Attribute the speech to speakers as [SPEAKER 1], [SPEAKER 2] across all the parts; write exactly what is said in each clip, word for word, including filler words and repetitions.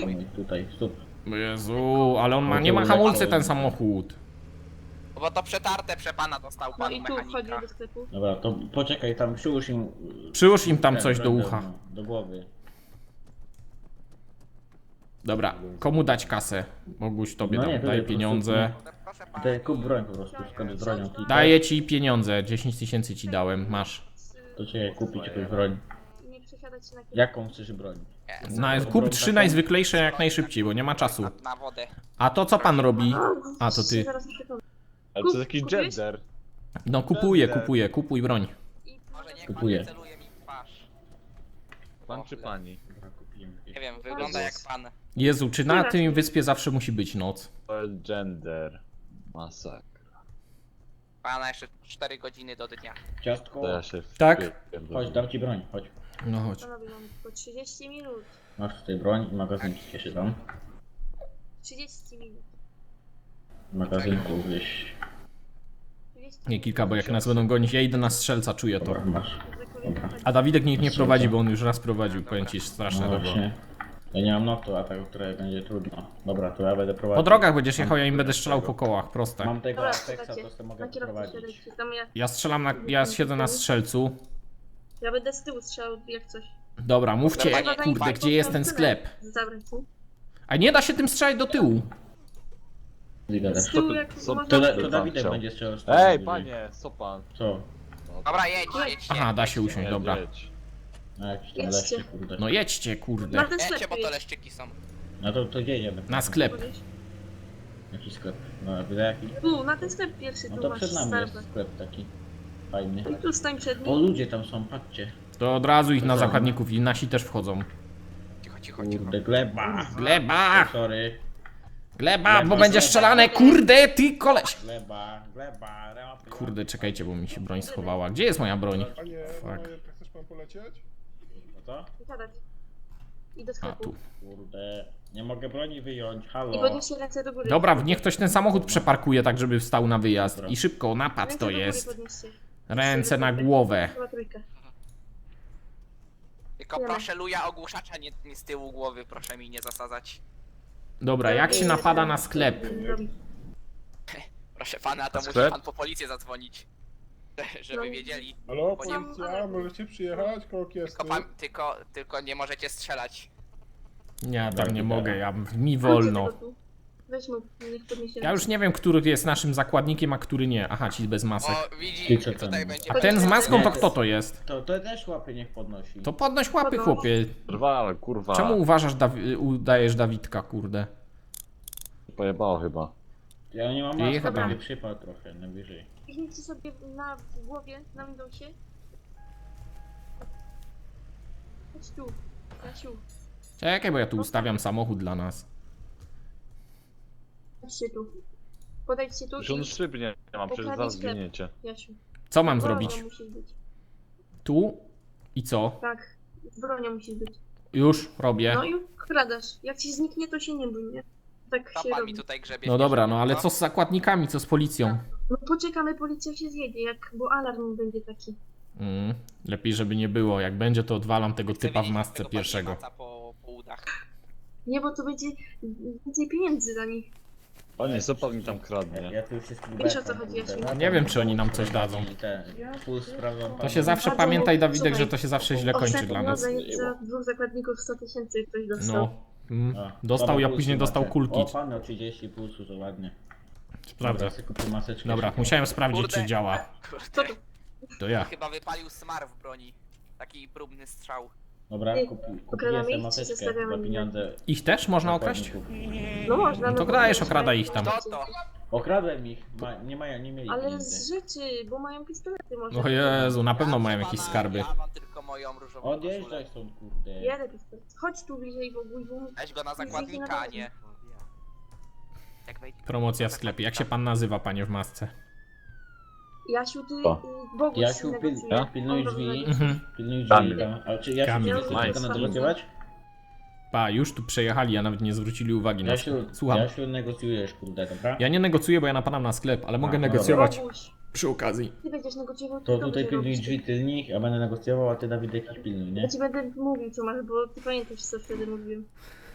[SPEAKER 1] mój, tutaj, stóp.
[SPEAKER 2] Jezu, ale on ma, nie ma hamulcy ten samochód.
[SPEAKER 3] Bo to przetarte przepana dostał
[SPEAKER 4] No
[SPEAKER 3] pan
[SPEAKER 4] i tu wchodzi
[SPEAKER 3] mechanika.
[SPEAKER 4] do sklepu.
[SPEAKER 1] Dobra, to poczekaj, tam przyłóż im...
[SPEAKER 2] Przyłóż im tam
[SPEAKER 1] ten,
[SPEAKER 2] coś do
[SPEAKER 1] broń
[SPEAKER 2] ucha.
[SPEAKER 1] Do głowy.
[SPEAKER 2] Dobra, komu dać kasę? Boguś, tobie
[SPEAKER 1] No
[SPEAKER 2] dam,
[SPEAKER 1] nie, tutaj
[SPEAKER 2] daj
[SPEAKER 1] po prostu-
[SPEAKER 2] pieniądze.
[SPEAKER 3] Proszę pana.
[SPEAKER 1] Tutaj kup broń po prostu, skąd z bronią klikasz.
[SPEAKER 2] Daję ci pieniądze, dziesięć tysięcy ci dałem, masz.
[SPEAKER 1] To czekaj, kupić jakąś broń.
[SPEAKER 4] Nie przesiadać się na kierowcę.
[SPEAKER 1] Jaką chcesz broń?
[SPEAKER 3] Nie,
[SPEAKER 2] Na, kup trzy najzwyklejsze jak najszybciej, bo nie ma czasu.
[SPEAKER 3] na, na wodę.
[SPEAKER 2] A to co pan robi? A to ty.
[SPEAKER 4] Zaraz przekonam.
[SPEAKER 5] Ale to jest jakiś
[SPEAKER 4] Kupiłeś?
[SPEAKER 5] gender.
[SPEAKER 2] No kupuję, kupuję, kupuj broń.
[SPEAKER 4] I
[SPEAKER 3] Może niech
[SPEAKER 1] Kupuję.
[SPEAKER 3] pan celuje mi w twarz.
[SPEAKER 5] Pan czy pani?
[SPEAKER 1] Dobra, kupiłem.
[SPEAKER 3] Nie wiem, wygląda jak pan.
[SPEAKER 2] Jezu, czy na tym wyspie zawsze musi być noc?
[SPEAKER 5] To jest gender. Masakra.
[SPEAKER 3] Pana jeszcze cztery godziny do dnia.
[SPEAKER 1] Ciastko,
[SPEAKER 5] To ja się
[SPEAKER 2] Tak?
[SPEAKER 5] wpierdolę.
[SPEAKER 1] chodź, dam ci broń, chodź.
[SPEAKER 2] No chodź.
[SPEAKER 4] panowie mamy tylko trzydzieści minut.
[SPEAKER 1] Masz tutaj broń i magazyn ci się dam.
[SPEAKER 4] trzydzieści minut.
[SPEAKER 1] W magazynku gdzieś.
[SPEAKER 4] trzydzieści
[SPEAKER 2] Nie kilka, bo jak nas będą gonić, ja idę na strzelca, czuję to.
[SPEAKER 1] Dobra, masz.
[SPEAKER 2] A Dawidek niech nie prowadzi, bo on już raz prowadził, powiem ci, straszne
[SPEAKER 1] No
[SPEAKER 2] to było.
[SPEAKER 1] właśnie. Ja nie mam notu, a tak, które będzie trudno. Dobra, to ja będę prowadził.
[SPEAKER 2] Po drogach będziesz jechał, ja im będę strzelał po kołach, proste.
[SPEAKER 1] Mam tego
[SPEAKER 4] Dobra,
[SPEAKER 1] Apexa,
[SPEAKER 4] słuchajcie,
[SPEAKER 1] to sobie mogę
[SPEAKER 4] na kierowcę
[SPEAKER 1] prowadzić.
[SPEAKER 4] siadajcie. Tam ja,
[SPEAKER 2] Ja strzelam na, ja siedzę na strzelcu.
[SPEAKER 4] ja będę z tyłu strzelał jak coś.
[SPEAKER 2] Dobra, mówcie,
[SPEAKER 3] Dobra,
[SPEAKER 2] kurde, gdzie jest ten sklep?
[SPEAKER 4] Zabrać, nie?
[SPEAKER 2] A nie da się tym strzelać do tyłu.
[SPEAKER 1] Ligadę.
[SPEAKER 4] Z tyłu
[SPEAKER 5] to-
[SPEAKER 4] jak
[SPEAKER 5] co-
[SPEAKER 4] można...
[SPEAKER 1] To, da,
[SPEAKER 5] Pan
[SPEAKER 1] to Dawidek
[SPEAKER 5] chciał.
[SPEAKER 1] będzie strzelał z
[SPEAKER 5] Ej,
[SPEAKER 1] bliżej.
[SPEAKER 5] panie, co pan?
[SPEAKER 1] Co?
[SPEAKER 3] Dobra, jedź, jedź.
[SPEAKER 2] Aha, da się usiąść,
[SPEAKER 5] Nie,
[SPEAKER 2] dobra.
[SPEAKER 5] jedź.
[SPEAKER 1] Na jakiś tam
[SPEAKER 4] Jedźcie.
[SPEAKER 1] leszcze, kurde.
[SPEAKER 2] No jedźcie, kurde.
[SPEAKER 4] Na ten
[SPEAKER 3] Jedźcie,
[SPEAKER 4] sklep
[SPEAKER 3] bo to
[SPEAKER 4] jedź.
[SPEAKER 3] leszczyki są.
[SPEAKER 1] No to, to gdzie jedziemy?
[SPEAKER 2] Na sklep.
[SPEAKER 4] Podejść.
[SPEAKER 1] Jaki sklep? No, widzę jaki?
[SPEAKER 4] Tu, na ten sklep pierwszy,
[SPEAKER 1] No
[SPEAKER 4] tu
[SPEAKER 1] to
[SPEAKER 4] masz
[SPEAKER 1] przed nami jest
[SPEAKER 4] Starbucks.
[SPEAKER 1] sklep taki. Fajny.
[SPEAKER 4] I tu stań przed
[SPEAKER 1] O,
[SPEAKER 4] nim.
[SPEAKER 1] ludzie tam są, patrzcie.
[SPEAKER 2] To od razu ich na zakładników i nasi też wchodzą.
[SPEAKER 3] Cicho, cicho, cicho.
[SPEAKER 1] Kurde, gleba.
[SPEAKER 2] Gleba!
[SPEAKER 1] Sorry.
[SPEAKER 2] Gleba, bo będzie strzelane, kurde, ty koleś!
[SPEAKER 1] Gleba, gleba, rapy.
[SPEAKER 2] Kurde, czekajcie, bo mi się broń schowała. Gdzie jest moja broń?
[SPEAKER 6] Panie,
[SPEAKER 2] Fuck.
[SPEAKER 6] panowie, chcesz pan polecieć?
[SPEAKER 1] No co?
[SPEAKER 4] Siadać. I do
[SPEAKER 2] A,
[SPEAKER 4] sklepu.
[SPEAKER 2] tu.
[SPEAKER 1] Kurde, nie mogę broni wyjąć,
[SPEAKER 4] I
[SPEAKER 1] halo.
[SPEAKER 4] podnieście ręce do góry.
[SPEAKER 2] Dobra, niech ktoś ten samochód przeparkuje tak, żeby wstał na wyjazd. I szybko, napad
[SPEAKER 4] Ręce
[SPEAKER 2] to
[SPEAKER 4] do góry
[SPEAKER 2] jest.
[SPEAKER 4] podnieście.
[SPEAKER 2] Ręce na głowę.
[SPEAKER 4] Chyba trójkę.
[SPEAKER 3] Tylko proszę luja ogłuszacza nie, nie z tyłu głowy, proszę mi nie zasadzać.
[SPEAKER 2] Dobra, jak się napada na sklep?
[SPEAKER 4] Robi.
[SPEAKER 3] Proszę pana, to
[SPEAKER 5] A
[SPEAKER 3] musi
[SPEAKER 5] sklep?
[SPEAKER 3] pan po policję zadzwonić. Żeby
[SPEAKER 4] No.
[SPEAKER 3] wiedzieli.
[SPEAKER 6] Halo,
[SPEAKER 3] Bo nie-
[SPEAKER 6] policja, możecie przyjechać koło kiesty?
[SPEAKER 3] Tylko, pan, tylko, tylko nie możecie strzelać.
[SPEAKER 2] Ja tam nie mogę, ja, mi
[SPEAKER 4] Chodźcie
[SPEAKER 2] wolno.
[SPEAKER 4] tego tu. Weź mu, niech podniesie
[SPEAKER 2] Ja już nie wiem, który jest naszym zakładnikiem, a który nie. Aha, ci bez masek.
[SPEAKER 3] O, widzi,
[SPEAKER 1] Ty co
[SPEAKER 3] tutaj
[SPEAKER 1] tam?
[SPEAKER 3] będzie...
[SPEAKER 2] A ten z maską to kto to jest?
[SPEAKER 1] To, to też łapy niech podnosi.
[SPEAKER 2] To podnoś łapy, chłopie.
[SPEAKER 5] Drwal, kurwa.
[SPEAKER 2] Czemu uważasz, Dawi udajesz Dawidka, kurde?
[SPEAKER 5] Pojebało chyba.
[SPEAKER 1] Ja nie mam
[SPEAKER 2] Nie,
[SPEAKER 1] maski,
[SPEAKER 2] chyba.
[SPEAKER 1] będzie przypał trochę, najwyżej.
[SPEAKER 4] Kliknijcie sobie na w głowie, na Windowsie. Chodź tu, Jasiu.
[SPEAKER 2] Czekaj, bo ja tu ustawiam samochód dla nas.
[SPEAKER 4] Chodźcie tu. Podejdźcie tu
[SPEAKER 5] Już on
[SPEAKER 4] i...
[SPEAKER 5] szyb nie mam, przecież
[SPEAKER 4] Ukradnij
[SPEAKER 5] zaraz
[SPEAKER 4] sklep.
[SPEAKER 5] zginiecie.
[SPEAKER 4] Jasiu.
[SPEAKER 2] Co mam
[SPEAKER 4] Bronią
[SPEAKER 2] zrobić?
[SPEAKER 4] musisz być.
[SPEAKER 2] Tu? I co?
[SPEAKER 4] Tak, bronią musisz być.
[SPEAKER 2] Już robię.
[SPEAKER 4] No i ukradasz. Jak ci zniknie, to się nie bój, nie? Tak
[SPEAKER 3] To
[SPEAKER 4] się
[SPEAKER 3] pan
[SPEAKER 4] robi.
[SPEAKER 3] mi tutaj grzebie.
[SPEAKER 2] No dobra, no ale co z zakładnikami, co z policją?
[SPEAKER 4] No poczekamy, policja się zjedzie, jak... bo alarm będzie taki.
[SPEAKER 2] Mm, lepiej, żeby nie było. Jak będzie, to odwalam tego
[SPEAKER 3] Chcę
[SPEAKER 2] typa w
[SPEAKER 3] wiedzieć,
[SPEAKER 2] masce
[SPEAKER 3] tego
[SPEAKER 2] pierwszego.
[SPEAKER 3] maca Po, po udach.
[SPEAKER 4] Nie, bo to będzie więcej pieniędzy za nich.
[SPEAKER 5] Panie, co pan mi tam kradnie?
[SPEAKER 1] Ja tu wszystkim
[SPEAKER 4] Wiesz, o co
[SPEAKER 1] bekam,
[SPEAKER 4] chodzi,
[SPEAKER 1] kurde.
[SPEAKER 4] Jasiu?
[SPEAKER 2] Nie wiem, czy oni nam coś dadzą.
[SPEAKER 1] I ten, pół sprawdzam
[SPEAKER 2] To się zawsze
[SPEAKER 4] Bardzo-
[SPEAKER 2] pamiętaj, Dawidek,
[SPEAKER 4] słuchaj,
[SPEAKER 2] że to się zawsze źle kończy
[SPEAKER 4] Ostatnio
[SPEAKER 2] dla nas.
[SPEAKER 4] za, za dwóch zakładników sto tysięcy ktoś dostał.
[SPEAKER 2] No. Mm.
[SPEAKER 1] A,
[SPEAKER 2] Dostał,
[SPEAKER 1] dobra,
[SPEAKER 2] ja
[SPEAKER 1] pulsu
[SPEAKER 2] później dostał
[SPEAKER 1] macie.
[SPEAKER 2] kulki.
[SPEAKER 1] O, pan o trzydzieści pulsu, to ładnie.
[SPEAKER 2] Sprawdzę.
[SPEAKER 1] Dobra, sobie kupię maseczkę.
[SPEAKER 2] Dobra,
[SPEAKER 1] szybko.
[SPEAKER 2] musiałem sprawdzić,
[SPEAKER 3] Kurde.
[SPEAKER 2] czy działa.
[SPEAKER 4] Co
[SPEAKER 3] Kurde,
[SPEAKER 4] to?
[SPEAKER 2] To ja.
[SPEAKER 3] chyba wypalił smar w broni. Taki próbny strzał.
[SPEAKER 1] Dobra,
[SPEAKER 4] Ej,
[SPEAKER 1] kupi, kupiłem
[SPEAKER 4] okradamy
[SPEAKER 1] sobie
[SPEAKER 4] ich, czy
[SPEAKER 1] maseczkę
[SPEAKER 4] zostawiamy
[SPEAKER 1] za pieniądze.
[SPEAKER 2] Ich też można okraść?
[SPEAKER 1] zakładników.
[SPEAKER 4] No można.
[SPEAKER 2] No to
[SPEAKER 4] bo
[SPEAKER 2] dajesz,
[SPEAKER 4] mają-
[SPEAKER 2] okradaj ich tam.
[SPEAKER 3] Kto to?
[SPEAKER 1] Okradłem ich, ma, nie mają, nie mieli
[SPEAKER 4] Ale
[SPEAKER 1] pieniędzy.
[SPEAKER 4] z rzeczy, bo mają pistolety może.
[SPEAKER 2] O Jezu, na pewno
[SPEAKER 3] Ja,
[SPEAKER 2] mają
[SPEAKER 3] proszę
[SPEAKER 2] jakieś
[SPEAKER 3] pana,
[SPEAKER 2] skarby.
[SPEAKER 3] Ja mam tylko moją różową koszulę.
[SPEAKER 1] Odjeżdżaj stąd, kurde.
[SPEAKER 4] Jadę pistolet. Chodź tu bliżej, bo bój, bo...
[SPEAKER 3] Weź go na zakładnika, a nie. Jak wejdzie.
[SPEAKER 2] Promocja w sklepie. Jak się pan nazywa, panie w masce?
[SPEAKER 4] Jasiu, ty...
[SPEAKER 5] Co?
[SPEAKER 4] y, Boguś
[SPEAKER 1] Jasiu,
[SPEAKER 4] się
[SPEAKER 1] pil,
[SPEAKER 4] negocjuje.
[SPEAKER 1] pilnuj
[SPEAKER 4] On
[SPEAKER 1] drzwi.
[SPEAKER 4] rozmawia.
[SPEAKER 2] Mhm.
[SPEAKER 1] Pilnuj drzwi.
[SPEAKER 5] Kamil.
[SPEAKER 1] Tam. Ale czy Jasiu
[SPEAKER 2] Kamil.
[SPEAKER 1] nie chce
[SPEAKER 4] Nice.
[SPEAKER 1] tylko negocjować?
[SPEAKER 2] Pa, już tu przejechali, a nawet nie zwrócili uwagi na to.
[SPEAKER 1] Jasiu,
[SPEAKER 2] Słucham.
[SPEAKER 1] Jasiu, negocjujesz, kurde, dobra?
[SPEAKER 2] Ja nie negocjuję, bo ja napadam na sklep, ale mogę
[SPEAKER 1] A, no
[SPEAKER 2] negocjować
[SPEAKER 4] Boguś,
[SPEAKER 2] przy okazji.
[SPEAKER 4] ty będziesz negocjował,
[SPEAKER 1] To
[SPEAKER 4] ty
[SPEAKER 1] tutaj
[SPEAKER 4] będzie
[SPEAKER 1] pilnuj
[SPEAKER 4] robić.
[SPEAKER 1] drzwi tylnych, a będę negocjował, a ty Dawidek ich pilnuj, nie?
[SPEAKER 4] Ja ci będę mówił co masz, bo ty pamiętasz co wtedy mówiłem.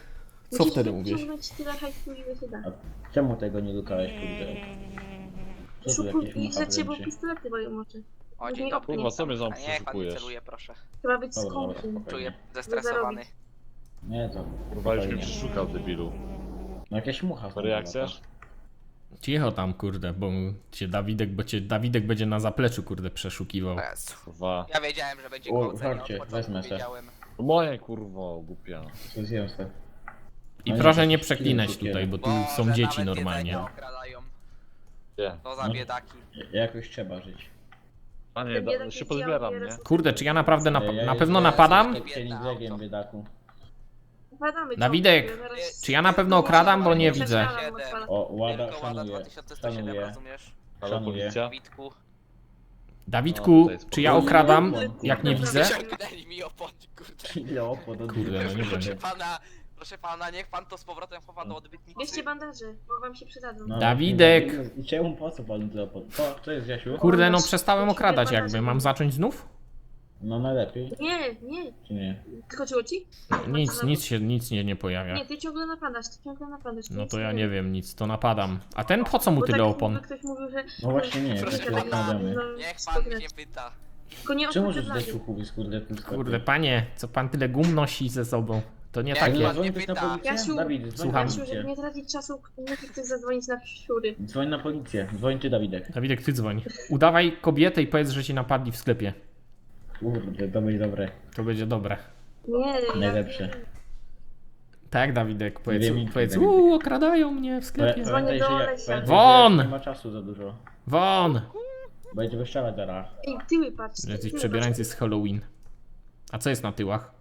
[SPEAKER 2] Co
[SPEAKER 4] Musisz
[SPEAKER 2] wtedy mówisz?
[SPEAKER 4] wyciągnąć tyle hajsu, ile się da.
[SPEAKER 1] Czemu tego nie lukałeś, kurde? Co tu
[SPEAKER 4] Szukuj
[SPEAKER 1] jakieś
[SPEAKER 4] ich
[SPEAKER 1] mucha
[SPEAKER 4] za ciebie, bo
[SPEAKER 1] wręczy?
[SPEAKER 4] pistolety mają oczy.
[SPEAKER 3] O,
[SPEAKER 4] Nie
[SPEAKER 3] dzień dobry.
[SPEAKER 5] Kurwa, co mnie tam
[SPEAKER 3] A niech pan nie
[SPEAKER 5] przeszukujesz?
[SPEAKER 3] celuje, proszę.
[SPEAKER 4] Trzeba być
[SPEAKER 1] Dobra, dobra,
[SPEAKER 4] skąpym.
[SPEAKER 1] spokojnie.
[SPEAKER 3] Czuję zestresowany.
[SPEAKER 1] Nie, to...
[SPEAKER 5] Kurwa, już mnie
[SPEAKER 1] spokojnie.
[SPEAKER 5] przeszukał, debilu.
[SPEAKER 1] No jakieś mucha.
[SPEAKER 5] Sorry, jak chcesz?
[SPEAKER 2] Cicho tam, kurde, bo cię Dawidek, bo cię Dawidek będzie na zapleczu, kurde, przeszukiwał.
[SPEAKER 3] O Jezu.
[SPEAKER 5] Kurwa.
[SPEAKER 3] Ja wiedziałem, że będzie
[SPEAKER 1] O,
[SPEAKER 3] gwałcenie,
[SPEAKER 1] żarcie,
[SPEAKER 3] od początku
[SPEAKER 1] wezmę se.
[SPEAKER 3] wiedziałem.
[SPEAKER 5] To moje kurwa, głupia.
[SPEAKER 1] Co zjem se.
[SPEAKER 2] I
[SPEAKER 1] No
[SPEAKER 2] proszę
[SPEAKER 1] nie,
[SPEAKER 2] nie
[SPEAKER 1] to
[SPEAKER 2] przeklinać
[SPEAKER 1] cukier.
[SPEAKER 2] tutaj, bo tu
[SPEAKER 3] Boże,
[SPEAKER 2] są
[SPEAKER 3] nawet
[SPEAKER 2] dzieci
[SPEAKER 3] jedzenie
[SPEAKER 2] normalnie.
[SPEAKER 3] okradają.
[SPEAKER 5] Nie.
[SPEAKER 3] To za
[SPEAKER 1] No.
[SPEAKER 3] biedaki.
[SPEAKER 1] Jakoś trzeba żyć.
[SPEAKER 5] A nie,
[SPEAKER 4] Ten
[SPEAKER 5] da,
[SPEAKER 4] biedak
[SPEAKER 5] się
[SPEAKER 4] jest
[SPEAKER 5] pozbieram,
[SPEAKER 4] biały,
[SPEAKER 5] nie?
[SPEAKER 4] jest-
[SPEAKER 2] Kurde, czy ja naprawdę na,
[SPEAKER 1] Ja
[SPEAKER 2] na
[SPEAKER 1] jestem
[SPEAKER 2] pewno napadam?
[SPEAKER 1] Cieniglegiem, biedaku.
[SPEAKER 4] Napadamy
[SPEAKER 2] Dawidek,
[SPEAKER 4] ciągle, zaraz-
[SPEAKER 2] czy ja na pewno okradam, bo nie
[SPEAKER 4] Zaraz
[SPEAKER 2] widzę.
[SPEAKER 4] strzelam, odpalam.
[SPEAKER 1] O, łada,
[SPEAKER 3] Tylko łada
[SPEAKER 1] szanuję.
[SPEAKER 3] dwa tysiące sto siedem,
[SPEAKER 1] Szanuję.
[SPEAKER 3] rozumiesz?
[SPEAKER 5] Halo,
[SPEAKER 1] Szanuję.
[SPEAKER 5] policja?
[SPEAKER 3] Witku.
[SPEAKER 2] Dawidku,
[SPEAKER 5] No, to
[SPEAKER 2] czy ja
[SPEAKER 1] jest
[SPEAKER 2] okradam,
[SPEAKER 4] spokojnie.
[SPEAKER 2] jak nie widzę?
[SPEAKER 3] Wyciągnęli mi opon, kurde.
[SPEAKER 1] Ile opłat od
[SPEAKER 2] Kurde, no nie
[SPEAKER 3] Proszę
[SPEAKER 2] wiem.
[SPEAKER 3] pana, proszę pana, niech pan to z powrotem chowa do odbytnicy.
[SPEAKER 4] Bierzcie bandaże, bo wam się przydadzą.
[SPEAKER 1] No,
[SPEAKER 2] Dawidek.
[SPEAKER 1] I czemu po co panu tyle opłat? Co, co jest, Jasiu?
[SPEAKER 2] Kurde, no przestałem okradać jakby. Mam zacząć znów?
[SPEAKER 1] No najlepiej,
[SPEAKER 4] Nie, nie.
[SPEAKER 1] czy nie?
[SPEAKER 4] Skoczyło ci?
[SPEAKER 2] Nic, nic się, nic nie, nie pojawia.
[SPEAKER 4] Nie, ty ciągle napadasz, ty ciągle napadasz.
[SPEAKER 2] No
[SPEAKER 4] nic
[SPEAKER 2] to ja nie wiem, nic, to napadam. A ten po co mu
[SPEAKER 4] Bo
[SPEAKER 2] tyle
[SPEAKER 4] tak
[SPEAKER 2] opon?
[SPEAKER 4] jakby ktoś mówił, że...
[SPEAKER 1] No właśnie nie,
[SPEAKER 3] Proszę
[SPEAKER 1] tak się
[SPEAKER 3] pana,
[SPEAKER 1] zastanawiamy.
[SPEAKER 4] No,
[SPEAKER 3] Niech pan
[SPEAKER 4] spoko.
[SPEAKER 3] mnie pyta.
[SPEAKER 4] Tylko nie
[SPEAKER 1] Czemu możesz
[SPEAKER 4] okradamy.
[SPEAKER 1] zdać uchówi, kurde, tym sklepie?
[SPEAKER 2] Kurde, panie, co pan tyle gum nosi ze sobą? To nie
[SPEAKER 3] Jak
[SPEAKER 2] takie.
[SPEAKER 3] pan-
[SPEAKER 1] Dzwoń ktoś na
[SPEAKER 3] pyta.
[SPEAKER 1] policję?
[SPEAKER 4] Jasiu,
[SPEAKER 1] Dawid, dzwoń
[SPEAKER 2] Słucham.
[SPEAKER 1] na
[SPEAKER 4] Jasiu, żeby
[SPEAKER 1] policję.
[SPEAKER 4] nie tracić czasu, musi ktoś zadzwonić na siury.
[SPEAKER 1] Dzwoń na policję, dzwoń ty, Dawidek.
[SPEAKER 2] Dawidek, ty dzwoń. Udawaj kobietę i powiedz, że ci napadli w sklepie.
[SPEAKER 1] Kurde, to będzie dobre.
[SPEAKER 2] To będzie dobre.
[SPEAKER 4] Nie, ja
[SPEAKER 1] Najlepsze.
[SPEAKER 4] wiem.
[SPEAKER 2] Tak, Dawidek, powiedz,
[SPEAKER 1] Dwie minki,
[SPEAKER 2] powiedz,
[SPEAKER 1] Dawidek.
[SPEAKER 2] uuu, okradają mnie w sklepie.
[SPEAKER 4] Dzwonię
[SPEAKER 1] Pamiętaj,
[SPEAKER 4] do
[SPEAKER 1] że ja-
[SPEAKER 4] Olesia.
[SPEAKER 1] pamiętaj, że
[SPEAKER 2] Won!
[SPEAKER 1] Nie ma czasu za dużo.
[SPEAKER 2] Won!
[SPEAKER 1] Będzie wyszczała zaraz.
[SPEAKER 4] Ej, tyły patrz.
[SPEAKER 2] Jacyś
[SPEAKER 4] tyły
[SPEAKER 2] przebierańcy z Halloween. A co jest na tyłach?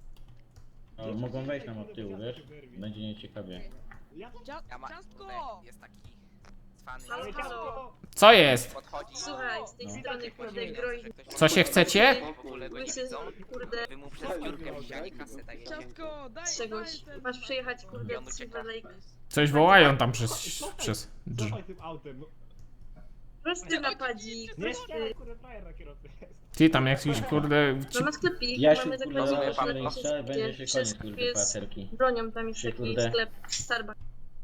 [SPEAKER 1] No, mogą wejść nam od tyłu, wiesz? Będzie nieciekawie.
[SPEAKER 3] Ja ma... Tutaj jest taki cwany.
[SPEAKER 4] Halo, halo.
[SPEAKER 2] Co jest?
[SPEAKER 3] Podchodzi.
[SPEAKER 4] Słuchaj, z tej
[SPEAKER 1] No.
[SPEAKER 4] strony kurde groi.
[SPEAKER 2] Co się chcecie?
[SPEAKER 3] W ogóle go nie
[SPEAKER 4] Łysy,
[SPEAKER 3] widzą.
[SPEAKER 4] kurde,
[SPEAKER 3] Wy mu przez piórkę wzięli kasę dajecie.
[SPEAKER 7] Ciastko, daj,
[SPEAKER 4] z czegoś.
[SPEAKER 7] daj ten-
[SPEAKER 4] Masz przejechać kurde
[SPEAKER 3] On
[SPEAKER 4] z
[SPEAKER 3] ucieka.
[SPEAKER 4] Silver Lake.
[SPEAKER 2] Coś wołają tam przez... przez... drz-
[SPEAKER 8] Cofaj tym autem, no.
[SPEAKER 4] Prosty napadzik.
[SPEAKER 8] Nie,
[SPEAKER 4] prosty.
[SPEAKER 8] kurde, frajer na kierowcy jest.
[SPEAKER 2] Ty tam jakiś kurde...
[SPEAKER 4] No na sklepik,
[SPEAKER 1] Jasiu,
[SPEAKER 4] mamy
[SPEAKER 1] kurde,
[SPEAKER 4] zakładnik,
[SPEAKER 1] zaraz
[SPEAKER 3] pan-
[SPEAKER 4] że
[SPEAKER 1] jeszcze
[SPEAKER 4] się
[SPEAKER 1] będzie się
[SPEAKER 4] przez-
[SPEAKER 1] koniec, kurde,
[SPEAKER 4] jest-
[SPEAKER 1] pacerki.
[SPEAKER 4] bronią tam jest
[SPEAKER 1] Się,
[SPEAKER 4] taki
[SPEAKER 1] kurde.
[SPEAKER 4] sklep Starbucks.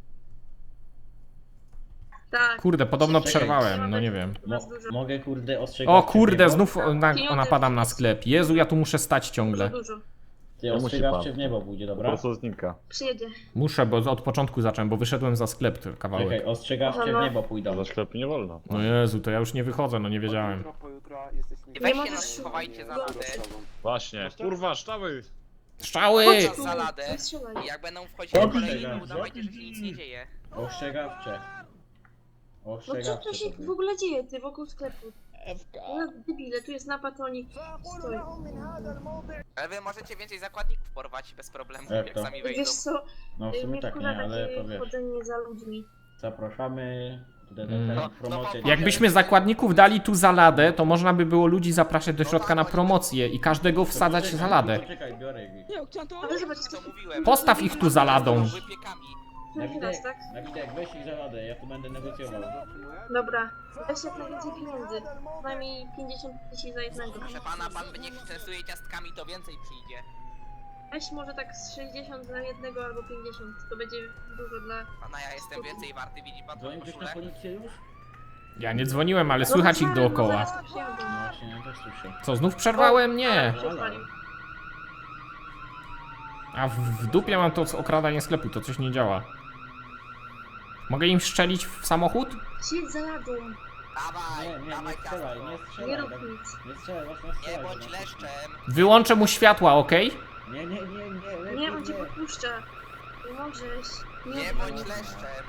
[SPEAKER 4] Tak.
[SPEAKER 2] Kurde, podobno
[SPEAKER 1] Czekaj.
[SPEAKER 2] przerwałem, no nie wiem.
[SPEAKER 1] Mo mogę, kurde, ostrzegać.
[SPEAKER 2] O kurde,
[SPEAKER 1] cię w niebo?
[SPEAKER 2] znów o, na, o, napadam na sklep. Jezu, ja tu muszę stać
[SPEAKER 4] Dużo,
[SPEAKER 2] ciągle.
[SPEAKER 4] dużo.
[SPEAKER 1] Ty
[SPEAKER 5] Nie musi
[SPEAKER 1] ostrzegawczy
[SPEAKER 5] pan.
[SPEAKER 1] w niebo pójdzie,
[SPEAKER 5] Po
[SPEAKER 1] dobra?
[SPEAKER 5] prostu znika.
[SPEAKER 4] Przyjedzie.
[SPEAKER 2] Muszę, bo od początku zacząłem, bo wyszedłem za sklep ten kawałek.
[SPEAKER 1] Czekaj, ostrzegawcze
[SPEAKER 4] Aha,
[SPEAKER 1] w
[SPEAKER 4] no.
[SPEAKER 1] niebo
[SPEAKER 5] Do
[SPEAKER 1] pójdą.
[SPEAKER 5] sklepu nie wolno.
[SPEAKER 2] No Jezu, to ja już nie wychodzę, no nie wiedziałem.
[SPEAKER 3] I
[SPEAKER 4] Nie
[SPEAKER 3] weźcie
[SPEAKER 4] możesz
[SPEAKER 3] nas, schowajcie za ladę.
[SPEAKER 5] Właśnie, kurwa, ształy!
[SPEAKER 2] Strzały!
[SPEAKER 4] Chodź tu,
[SPEAKER 3] Za ladę.
[SPEAKER 4] nie strzelaj.
[SPEAKER 3] I jak będą wchodzili
[SPEAKER 1] Dobrze,
[SPEAKER 3] kolejni, to
[SPEAKER 1] dobrze.
[SPEAKER 3] udawajcie, że się nic nie dzieje.
[SPEAKER 1] Ostrzegawcze.
[SPEAKER 4] No co
[SPEAKER 1] Ostrzegawcze
[SPEAKER 4] tu się
[SPEAKER 1] to
[SPEAKER 4] w
[SPEAKER 1] były.
[SPEAKER 4] ogóle dzieje, ty, wokół sklepu? No debile, tu jest napad, oni stoi.
[SPEAKER 3] Ale wy możecie więcej zakładników porwać bez problemu,
[SPEAKER 1] Jak
[SPEAKER 3] jak
[SPEAKER 1] to?
[SPEAKER 3] sami wejdą.
[SPEAKER 4] Wiesz co,
[SPEAKER 1] No w
[SPEAKER 4] y,
[SPEAKER 1] sumie
[SPEAKER 4] mnie
[SPEAKER 1] tak
[SPEAKER 4] wkurza
[SPEAKER 1] nie, ale
[SPEAKER 4] takie
[SPEAKER 1] to wiesz.
[SPEAKER 4] chodzenie za ludźmi.
[SPEAKER 1] Zapraszamy. Tutaj
[SPEAKER 2] Mm.
[SPEAKER 1] mm.
[SPEAKER 3] No,
[SPEAKER 1] promocję.
[SPEAKER 3] no,
[SPEAKER 2] Jakbyśmy zakładników dali tu za ladę, to można by było ludzi zapraszać do środka na promocję i każdego wsadzać za ladę.
[SPEAKER 1] Czekaj, biorę ich.
[SPEAKER 7] Nie, chciałem to...
[SPEAKER 4] Ale zobacz,
[SPEAKER 3] Co mówiłem?
[SPEAKER 2] Postaw ich tu za ladą.
[SPEAKER 3] Wypiekami.
[SPEAKER 4] Drugi raz, tak?
[SPEAKER 1] Dawidek, weź ich za radę, ja tu będę negocjował.
[SPEAKER 4] Dobra, weź jak najwięcej pieniędzy. Przynajmniej pięćdziesiąt tysięcy za jednego.
[SPEAKER 3] Proszę pana, pan będzie stresuje ciastkami, to więcej przyjdzie.
[SPEAKER 4] Weź może tak z sześćdziesiąt za jednego albo pięćdziesiąt. To będzie dużo dla...
[SPEAKER 3] Pana, ja jestem więcej warty, widzi pan tą
[SPEAKER 1] Dzwoni ktoś na
[SPEAKER 3] koszulę?
[SPEAKER 1] policję już?
[SPEAKER 2] Ja nie dzwoniłem, ale słychać ich
[SPEAKER 4] No
[SPEAKER 2] dookoła.
[SPEAKER 4] zaraz tu przyjadą.
[SPEAKER 1] No właśnie, ja też słyszę.
[SPEAKER 2] Co, znów przerwałem? Nie.
[SPEAKER 4] Przespalił.
[SPEAKER 2] A w, w dupie mam to okradanie sklepu, to coś nie działa. Mogę im strzelić w samochód?
[SPEAKER 4] Siedź za ladą.
[SPEAKER 3] Dawaj,
[SPEAKER 1] Nie, nie,
[SPEAKER 3] dawaj
[SPEAKER 1] nie strzelaj,
[SPEAKER 3] ciastko.
[SPEAKER 1] nie
[SPEAKER 4] Nie
[SPEAKER 1] strzelaj.
[SPEAKER 4] rób
[SPEAKER 1] Dawid.
[SPEAKER 4] nic.
[SPEAKER 1] Nie strzelaj, właśnie
[SPEAKER 3] Nie
[SPEAKER 1] strzelaj.
[SPEAKER 3] bądź
[SPEAKER 1] Dawid.
[SPEAKER 3] leszczem.
[SPEAKER 2] Wyłączę mu światła, ok?
[SPEAKER 1] Nie, nie, nie, nie, lepiej
[SPEAKER 4] Nie, on cię
[SPEAKER 1] nie.
[SPEAKER 4] popuszcza. Nie możesz.
[SPEAKER 3] Nie
[SPEAKER 4] odwal
[SPEAKER 3] bądź
[SPEAKER 4] się.
[SPEAKER 3] leszczem.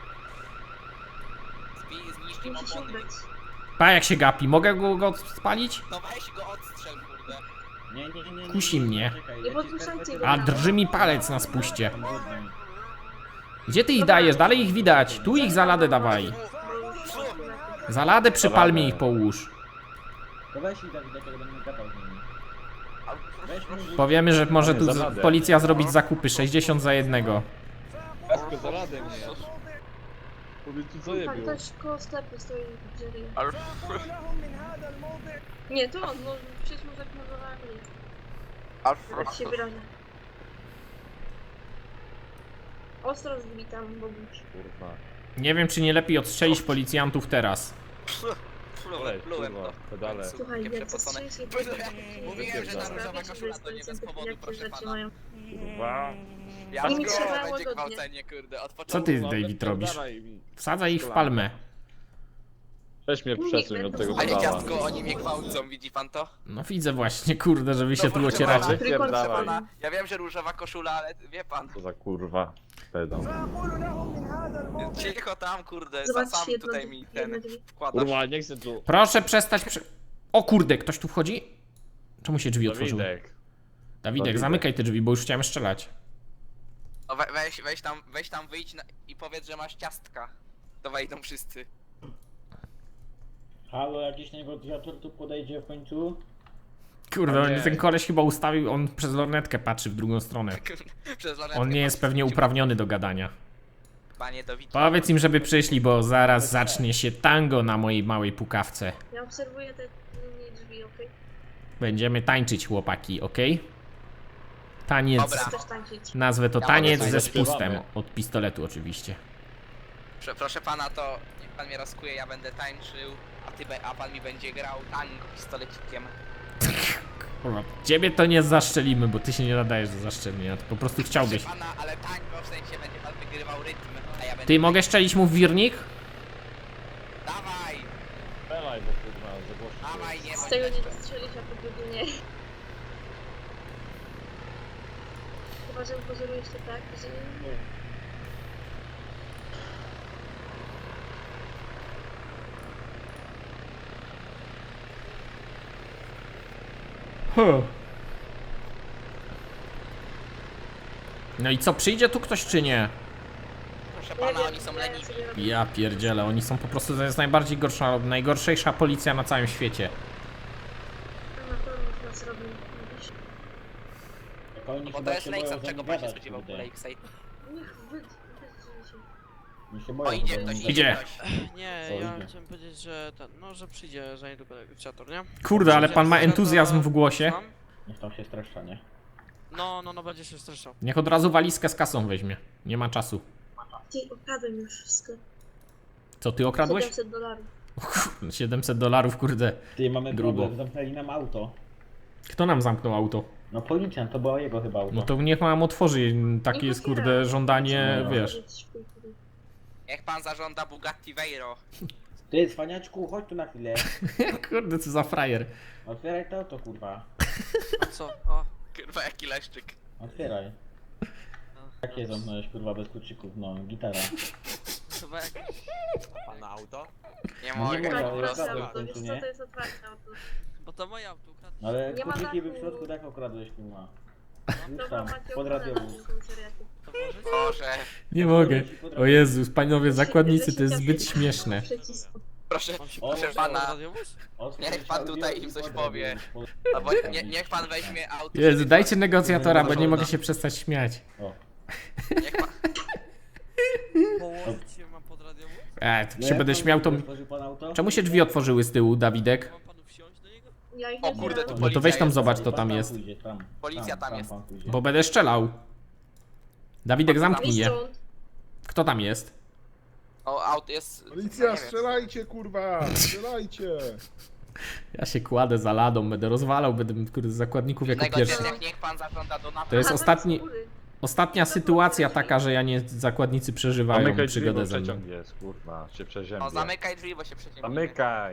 [SPEAKER 3] Zbij, zniszcz im
[SPEAKER 4] Musisz
[SPEAKER 3] opony.
[SPEAKER 4] ubrać.
[SPEAKER 2] Pa, jak się gapi, mogę go, go spalić?
[SPEAKER 3] No weź go odstrzel, kurde.
[SPEAKER 1] Nie, nie, nie, nie.
[SPEAKER 2] Kusi mnie.
[SPEAKER 1] Czekaj,
[SPEAKER 4] Nie
[SPEAKER 1] ja ci
[SPEAKER 4] podpuszczajcie
[SPEAKER 1] skarpetę
[SPEAKER 4] go.
[SPEAKER 2] A
[SPEAKER 1] dam.
[SPEAKER 2] drży mi palec na spuście.
[SPEAKER 1] Tam brudno.
[SPEAKER 2] Gdzie ty ich dajesz? Dalej ich widać. Tu ich za ladę dawaj.
[SPEAKER 4] Bo już lepiej.
[SPEAKER 2] Za ladę przypal mi ich połóż.
[SPEAKER 1] To weź i Dawidek, jak będę gadał z nimi. Weź mi
[SPEAKER 2] Powiemy, że może tu
[SPEAKER 5] Za
[SPEAKER 2] z,
[SPEAKER 5] ladę.
[SPEAKER 2] policja zrobić zakupy sześćdziesiąt za jednego.
[SPEAKER 5] Jasko, za radę mnie. Powiedz tu co je
[SPEAKER 4] Tak,
[SPEAKER 5] bił.
[SPEAKER 4] ktoś koło sklepu stoi w drzewie.
[SPEAKER 3] Ale-
[SPEAKER 4] Nie, to on, no przecież mu zaknowała mnie. Tak się wyraża. Ostro zbitam, Boguś.
[SPEAKER 5] Kurwa.
[SPEAKER 2] Nie wiem, czy nie lepiej odstrzelić policjantów teraz.
[SPEAKER 3] Plułem,
[SPEAKER 5] Olej,
[SPEAKER 3] plułem
[SPEAKER 5] kurwa,
[SPEAKER 3] to.
[SPEAKER 5] pedale.
[SPEAKER 4] Słuchaj,
[SPEAKER 3] Takie
[SPEAKER 4] jak
[SPEAKER 3] przepocone.
[SPEAKER 4] zastrzelisz
[SPEAKER 3] Mówiłem, że ta
[SPEAKER 5] Wypierdalaj.
[SPEAKER 3] różowa koszula to nie bez powodu, proszę pana.
[SPEAKER 4] mają.
[SPEAKER 5] Kurwa.
[SPEAKER 3] Ja
[SPEAKER 4] Nimi
[SPEAKER 3] go,
[SPEAKER 4] trzeba
[SPEAKER 3] będzie
[SPEAKER 4] łagodnie.
[SPEAKER 3] gwałcenie, kurde, od
[SPEAKER 2] Co
[SPEAKER 3] początku.
[SPEAKER 2] ty,
[SPEAKER 5] Kurwa,
[SPEAKER 2] David, robisz?
[SPEAKER 5] wypierdalaj mi.
[SPEAKER 2] Wsadzaj ich w palmę.
[SPEAKER 5] Weź mnie przesuń od tego
[SPEAKER 3] Panie
[SPEAKER 5] pedała.
[SPEAKER 3] ciastko, oni mnie gwałcą, widzi pan to?
[SPEAKER 2] No widzę właśnie, kurde, że wy się
[SPEAKER 3] No,
[SPEAKER 2] tu
[SPEAKER 3] proszę
[SPEAKER 2] ocieracie.
[SPEAKER 3] pana.
[SPEAKER 5] Wypierdalaj.
[SPEAKER 3] Pana, ja wiem, że różowa koszula, ale wie pan.
[SPEAKER 5] Co za kurwa. Pedał.
[SPEAKER 3] Cicho tam, kurde, za
[SPEAKER 4] Zobacz,
[SPEAKER 3] sam
[SPEAKER 4] jedno,
[SPEAKER 3] tutaj mi
[SPEAKER 4] jedno
[SPEAKER 3] ten
[SPEAKER 4] drzwi.
[SPEAKER 3] wkładasz.
[SPEAKER 5] Kurwa, nie chcę tu.
[SPEAKER 2] Proszę przestać przy... O kurde, ktoś tu wchodzi? Czemu się drzwi otworzyły?
[SPEAKER 5] Dawidek.
[SPEAKER 2] Dawidek,
[SPEAKER 5] Dawidek.
[SPEAKER 2] zamykaj te drzwi, bo już chciałem strzelać.
[SPEAKER 3] No we, weź, weź tam, weź tam wyjdź na, i powiedz, że masz ciastka. To wejdą wszyscy.
[SPEAKER 1] Halo, jakiś negocjator tu podejdzie w końcu?
[SPEAKER 2] Kurde,
[SPEAKER 5] O
[SPEAKER 2] on,
[SPEAKER 5] nie.
[SPEAKER 2] ten koleś chyba ustawił, on przez lornetkę patrzy w drugą stronę.
[SPEAKER 3] Przez lornetkę
[SPEAKER 2] On nie jest
[SPEAKER 3] patrzę,
[SPEAKER 2] pewnie
[SPEAKER 3] gdzie-
[SPEAKER 2] uprawniony do gadania.
[SPEAKER 3] Panie Dowid.
[SPEAKER 2] Powiedz im, żeby przyszli, bo zaraz zacznie się tango na mojej małej pukawce.
[SPEAKER 4] Ja obserwuję te linie drzwi, okej?
[SPEAKER 2] Będziemy tańczyć, chłopaki, okej? Taniec.
[SPEAKER 3] Dobra.
[SPEAKER 4] Chcesz tańczyć.
[SPEAKER 2] Nazwę to
[SPEAKER 3] Ja
[SPEAKER 2] taniec
[SPEAKER 3] mogę
[SPEAKER 2] ze
[SPEAKER 5] tańczyć.
[SPEAKER 2] spustem. Od pistoletu oczywiście.
[SPEAKER 3] Prze, proszę pana, to niech pan mnie rozkuje, ja będę tańczył, a ty be, a pan mi będzie grał tango pistolecikiem.
[SPEAKER 2] Kurwa, ciebie to nie zaszczelimy, bo ty się nie nadajesz do zaszczelenia. Ty po prostu chciałbyś.
[SPEAKER 3] Proszę pana, ale tango w sensie będzie pan wygrywał rytm, a ja będę...
[SPEAKER 2] Ty, mogę szczelić mu w wirnik?
[SPEAKER 3] Dawaj,
[SPEAKER 5] Pedalaj, bo kurwa, za głośno.
[SPEAKER 3] dawaj, nie
[SPEAKER 4] Z
[SPEAKER 3] bądź
[SPEAKER 4] tego nie
[SPEAKER 3] jeszcze.
[SPEAKER 4] strzelisz, a po drugie nie. Chyba, że pozorujesz to tak, że nie.
[SPEAKER 2] Huh. No i co, przyjdzie tu ktoś czy nie?
[SPEAKER 3] Proszę
[SPEAKER 4] Nie
[SPEAKER 3] pana,
[SPEAKER 4] wiem,
[SPEAKER 3] oni są
[SPEAKER 4] ja
[SPEAKER 3] leniwi.
[SPEAKER 4] sobie robię.
[SPEAKER 2] Ja pierdzielę, oni są po prostu, to jest najbardziej gorsza, najgorszejsza policja na całym świecie.
[SPEAKER 4] Na pewno nas robią. Mówisz.
[SPEAKER 1] Jak oni
[SPEAKER 3] Bo to
[SPEAKER 1] chyba
[SPEAKER 3] jest
[SPEAKER 1] się
[SPEAKER 3] Lakes,
[SPEAKER 1] boją
[SPEAKER 3] od
[SPEAKER 1] za
[SPEAKER 3] czego
[SPEAKER 1] nim
[SPEAKER 3] pan się
[SPEAKER 1] gadać,
[SPEAKER 3] spodziewał po
[SPEAKER 1] kurde.
[SPEAKER 3] Lakeside?
[SPEAKER 4] Niech wy... wytrzyjcie się.
[SPEAKER 1] Oni się
[SPEAKER 3] O,
[SPEAKER 1] boją
[SPEAKER 3] idzie
[SPEAKER 1] za
[SPEAKER 3] ktoś,
[SPEAKER 1] nim
[SPEAKER 3] idzie
[SPEAKER 2] Idzie.
[SPEAKER 3] ktoś.
[SPEAKER 7] Nie,
[SPEAKER 1] Co
[SPEAKER 7] ja
[SPEAKER 1] idzie?
[SPEAKER 7] chciałem powiedzieć, że ten, no, że przyjdzie za niedługo negocjator, nie?
[SPEAKER 2] Kurde, ale
[SPEAKER 7] Przyjdzie
[SPEAKER 2] pan ma
[SPEAKER 7] negocjator,
[SPEAKER 2] entuzjazm w głosie.
[SPEAKER 7] słucham?
[SPEAKER 1] Niech tam się streszcza, nie?
[SPEAKER 7] No, no, no, będzie się streszał.
[SPEAKER 2] Niech od razu walizkę z kasą weźmie. Nie ma czasu.
[SPEAKER 4] Ty, okradłem już wszystko.
[SPEAKER 2] Co, ty okradłeś?
[SPEAKER 4] siedemset dolarów.
[SPEAKER 2] siedemset dolarów, kurde.
[SPEAKER 1] Ty, mamy
[SPEAKER 2] Grubo.
[SPEAKER 1] problem, zamknęli nam auto.
[SPEAKER 2] Kto nam zamknął auto?
[SPEAKER 1] No policjant, to było jego chyba auto.
[SPEAKER 2] No to niech nam otworzy. Takie jest, kurde, żądanie,
[SPEAKER 1] No.
[SPEAKER 2] wiesz.
[SPEAKER 3] Niech pan zażąda Bugatti Veyro.
[SPEAKER 1] Ty, cwaniaczku, chodź tu na chwilę.
[SPEAKER 2] Kurde, co za frajer.
[SPEAKER 1] Otwieraj to auto, kurwa.
[SPEAKER 7] A co? O,
[SPEAKER 3] Kurwa, jaki leszczyk.
[SPEAKER 1] Otwieraj. Jakie zamknąłeś, kurwa, bez kluczyków? No, gitara.
[SPEAKER 7] chyba jak...
[SPEAKER 5] Pana auto?
[SPEAKER 3] Nie
[SPEAKER 1] No nie
[SPEAKER 3] mogę,
[SPEAKER 1] mogę,
[SPEAKER 3] po
[SPEAKER 1] ale
[SPEAKER 3] prostu.
[SPEAKER 1] okradłem w
[SPEAKER 4] auto, wiesz
[SPEAKER 1] końcu,
[SPEAKER 4] co,
[SPEAKER 1] nie?
[SPEAKER 4] to jest otwarte auto.
[SPEAKER 7] Bo to moje auto ukradł.
[SPEAKER 1] No ale
[SPEAKER 4] Nie ma
[SPEAKER 1] kluczyki by w
[SPEAKER 4] dachu.
[SPEAKER 1] środku tak okradłeś, kurwa. Już
[SPEAKER 4] Dobra,
[SPEAKER 1] tam,
[SPEAKER 4] macie
[SPEAKER 1] pod
[SPEAKER 4] ochronę na
[SPEAKER 1] radiowóz.
[SPEAKER 4] tym komisariacie.
[SPEAKER 7] To włożyć?
[SPEAKER 3] Boże,
[SPEAKER 2] Nie mogę. O Jezus, panowie zakładnicy, to jest zbyt
[SPEAKER 4] Przycisku.
[SPEAKER 2] śmieszne.
[SPEAKER 4] Przycisku.
[SPEAKER 3] proszę,
[SPEAKER 7] Mam się
[SPEAKER 1] O,
[SPEAKER 3] proszę
[SPEAKER 7] proszę
[SPEAKER 3] pana,
[SPEAKER 7] radiowóz?
[SPEAKER 1] Otwórz
[SPEAKER 3] Niech pan
[SPEAKER 1] audio
[SPEAKER 3] tutaj
[SPEAKER 1] i
[SPEAKER 3] im coś
[SPEAKER 1] pod
[SPEAKER 3] powie.
[SPEAKER 1] radiowóz.
[SPEAKER 3] albo nie, niech pan weźmie auto.
[SPEAKER 2] Jezu,
[SPEAKER 3] żeby-
[SPEAKER 2] dajcie negocjatora, bo nie
[SPEAKER 3] Żąda.
[SPEAKER 2] mogę się przestać śmiać.
[SPEAKER 1] O.
[SPEAKER 3] Niech pan,
[SPEAKER 7] Położyć się mam pod radiowóz?
[SPEAKER 2] E, tak
[SPEAKER 1] No
[SPEAKER 2] się
[SPEAKER 1] jak
[SPEAKER 2] będę
[SPEAKER 1] pan
[SPEAKER 2] śmiał, to...
[SPEAKER 1] otworzył pan auto?
[SPEAKER 2] Czemu się drzwi otworzyły z tyłu, Dawidek?
[SPEAKER 7] Mam panu wsiąść do niego?
[SPEAKER 4] Ja ich
[SPEAKER 3] O
[SPEAKER 4] nie
[SPEAKER 3] kurde,
[SPEAKER 4] zbieram.
[SPEAKER 3] tu
[SPEAKER 2] No to
[SPEAKER 3] policja
[SPEAKER 2] weź tam
[SPEAKER 3] jest.
[SPEAKER 2] zobacz, co
[SPEAKER 1] Pan
[SPEAKER 2] tam jest.
[SPEAKER 1] Pójdzie, tam,
[SPEAKER 3] Policja tam jest.
[SPEAKER 1] pan pójdzie.
[SPEAKER 2] Bo będę strzelał. Dawidek, zamknij
[SPEAKER 4] Idź
[SPEAKER 2] je.
[SPEAKER 4] stąd.
[SPEAKER 2] Kto tam jest?
[SPEAKER 3] O, auto jest... no
[SPEAKER 6] Policja,
[SPEAKER 3] nie wiem.
[SPEAKER 6] strzelajcie, kurwa! Strzelajcie!
[SPEAKER 2] Ja się kładę za ladą, będę rozwalał, będę kurde, zakładników jako pierwszy.
[SPEAKER 3] Negocjacjach niech pan zażąda do
[SPEAKER 2] To jest
[SPEAKER 4] Aha,
[SPEAKER 2] ostatni,
[SPEAKER 4] z góry.
[SPEAKER 2] ostatnia sytuacja taka, że ja nie, zakładnicy przeżywają
[SPEAKER 5] Zamykaj drzwi,
[SPEAKER 2] przygodę
[SPEAKER 5] bo
[SPEAKER 2] ze mną.
[SPEAKER 5] przeciąg jest, kurwa, się przeziębia.
[SPEAKER 3] No zamykaj drzwi, bo się przeciągnie.
[SPEAKER 5] Zamykaj!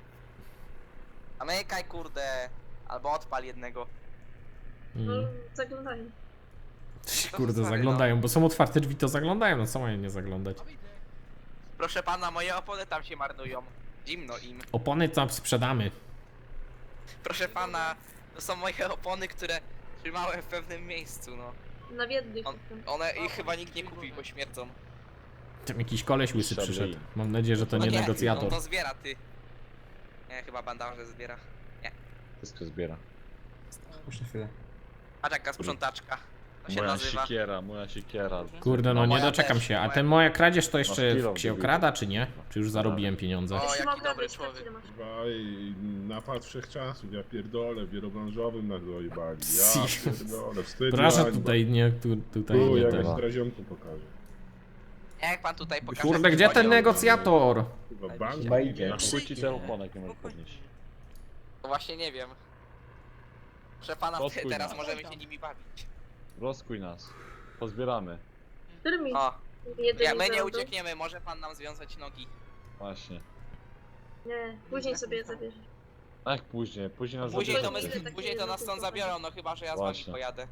[SPEAKER 3] Zamykaj, kurde. Albo odpal jednego.
[SPEAKER 4] No,
[SPEAKER 2] Mm.
[SPEAKER 4] zaglądają.
[SPEAKER 2] Kurde,
[SPEAKER 3] sorry,
[SPEAKER 2] zaglądają, bo są otwarte drzwi, to zaglądają, no co mają nie zaglądać?
[SPEAKER 3] Proszę pana, moje opony tam się marnują. Zimno im.
[SPEAKER 2] Opony tam sprzedamy.
[SPEAKER 3] Proszę pana, to są moje opony, które trzymałem w pewnym miejscu, no.
[SPEAKER 4] Na biednych.
[SPEAKER 3] On, one ich chyba nikt nie kupi, bo śmierdzą.
[SPEAKER 2] Tam jakiś koleś łysy
[SPEAKER 5] Szabli.
[SPEAKER 2] przyszedł. Mam nadzieję, że to
[SPEAKER 3] No
[SPEAKER 2] nie
[SPEAKER 3] nie,
[SPEAKER 2] negocjator.
[SPEAKER 3] on to zbiera, ty. Nie, chyba bandaże zbiera.
[SPEAKER 5] Wszystko zbiera.
[SPEAKER 3] Patrz jaka sprzątaczka. To się
[SPEAKER 5] Moja
[SPEAKER 3] nazywa.
[SPEAKER 5] siekiera, moja siekiera.
[SPEAKER 2] Kurde, no
[SPEAKER 3] No,
[SPEAKER 2] nie
[SPEAKER 3] moja
[SPEAKER 2] doczekam
[SPEAKER 3] też,
[SPEAKER 2] się. A
[SPEAKER 3] moja-
[SPEAKER 2] ten moja kradzież to
[SPEAKER 5] Masz
[SPEAKER 2] jeszcze
[SPEAKER 5] kilo
[SPEAKER 2] się
[SPEAKER 5] wbił.
[SPEAKER 2] okrada, czy nie? Czy już zarobiłem pieniądze?
[SPEAKER 3] O,
[SPEAKER 4] Jeśli
[SPEAKER 3] jaki
[SPEAKER 4] mogę,
[SPEAKER 3] dobry
[SPEAKER 4] to
[SPEAKER 3] człowiek.
[SPEAKER 4] ile masz?
[SPEAKER 6] Kurwa, i napad wszechczasów, ja pierdolę, w wielobranżowym nas dojebali.
[SPEAKER 2] Si.
[SPEAKER 6] Ja pierdolę, wstyd.
[SPEAKER 2] Proszę
[SPEAKER 6] hańba.
[SPEAKER 2] tutaj nie, tu, tutaj
[SPEAKER 6] Tu,
[SPEAKER 2] nie
[SPEAKER 6] jak
[SPEAKER 2] tego.
[SPEAKER 6] strazionku pokażę.
[SPEAKER 3] Jak pan tutaj pokaże...
[SPEAKER 2] Kurde,
[SPEAKER 3] jakiś
[SPEAKER 2] gdzie ten
[SPEAKER 3] poziom,
[SPEAKER 2] negocjator?
[SPEAKER 6] Kurwa, bank.
[SPEAKER 1] Chyba idzie.
[SPEAKER 5] Na chuj ci ten oponek nie możesz podnieść.
[SPEAKER 3] To właśnie nie wiem. Proszę pana,
[SPEAKER 5] Odkuj
[SPEAKER 3] teraz
[SPEAKER 5] nas.
[SPEAKER 3] możemy się nimi bawić.
[SPEAKER 5] Rozkuj nas. Pozbieramy.
[SPEAKER 4] Którymi?
[SPEAKER 3] O,
[SPEAKER 4] Jedymi
[SPEAKER 3] ja, my nie
[SPEAKER 4] zarobią?
[SPEAKER 3] uciekniemy, może pan nam związać nogi.
[SPEAKER 5] Właśnie.
[SPEAKER 4] Nie, później sobie je zabierzesz.
[SPEAKER 5] A jak później? Później nas
[SPEAKER 3] Później to, my,
[SPEAKER 5] zabierzecie.
[SPEAKER 4] takie
[SPEAKER 3] później to nas stąd
[SPEAKER 4] jedno
[SPEAKER 3] zabiorą, no chyba, że ja z wami
[SPEAKER 5] Właśnie.
[SPEAKER 3] pojadę.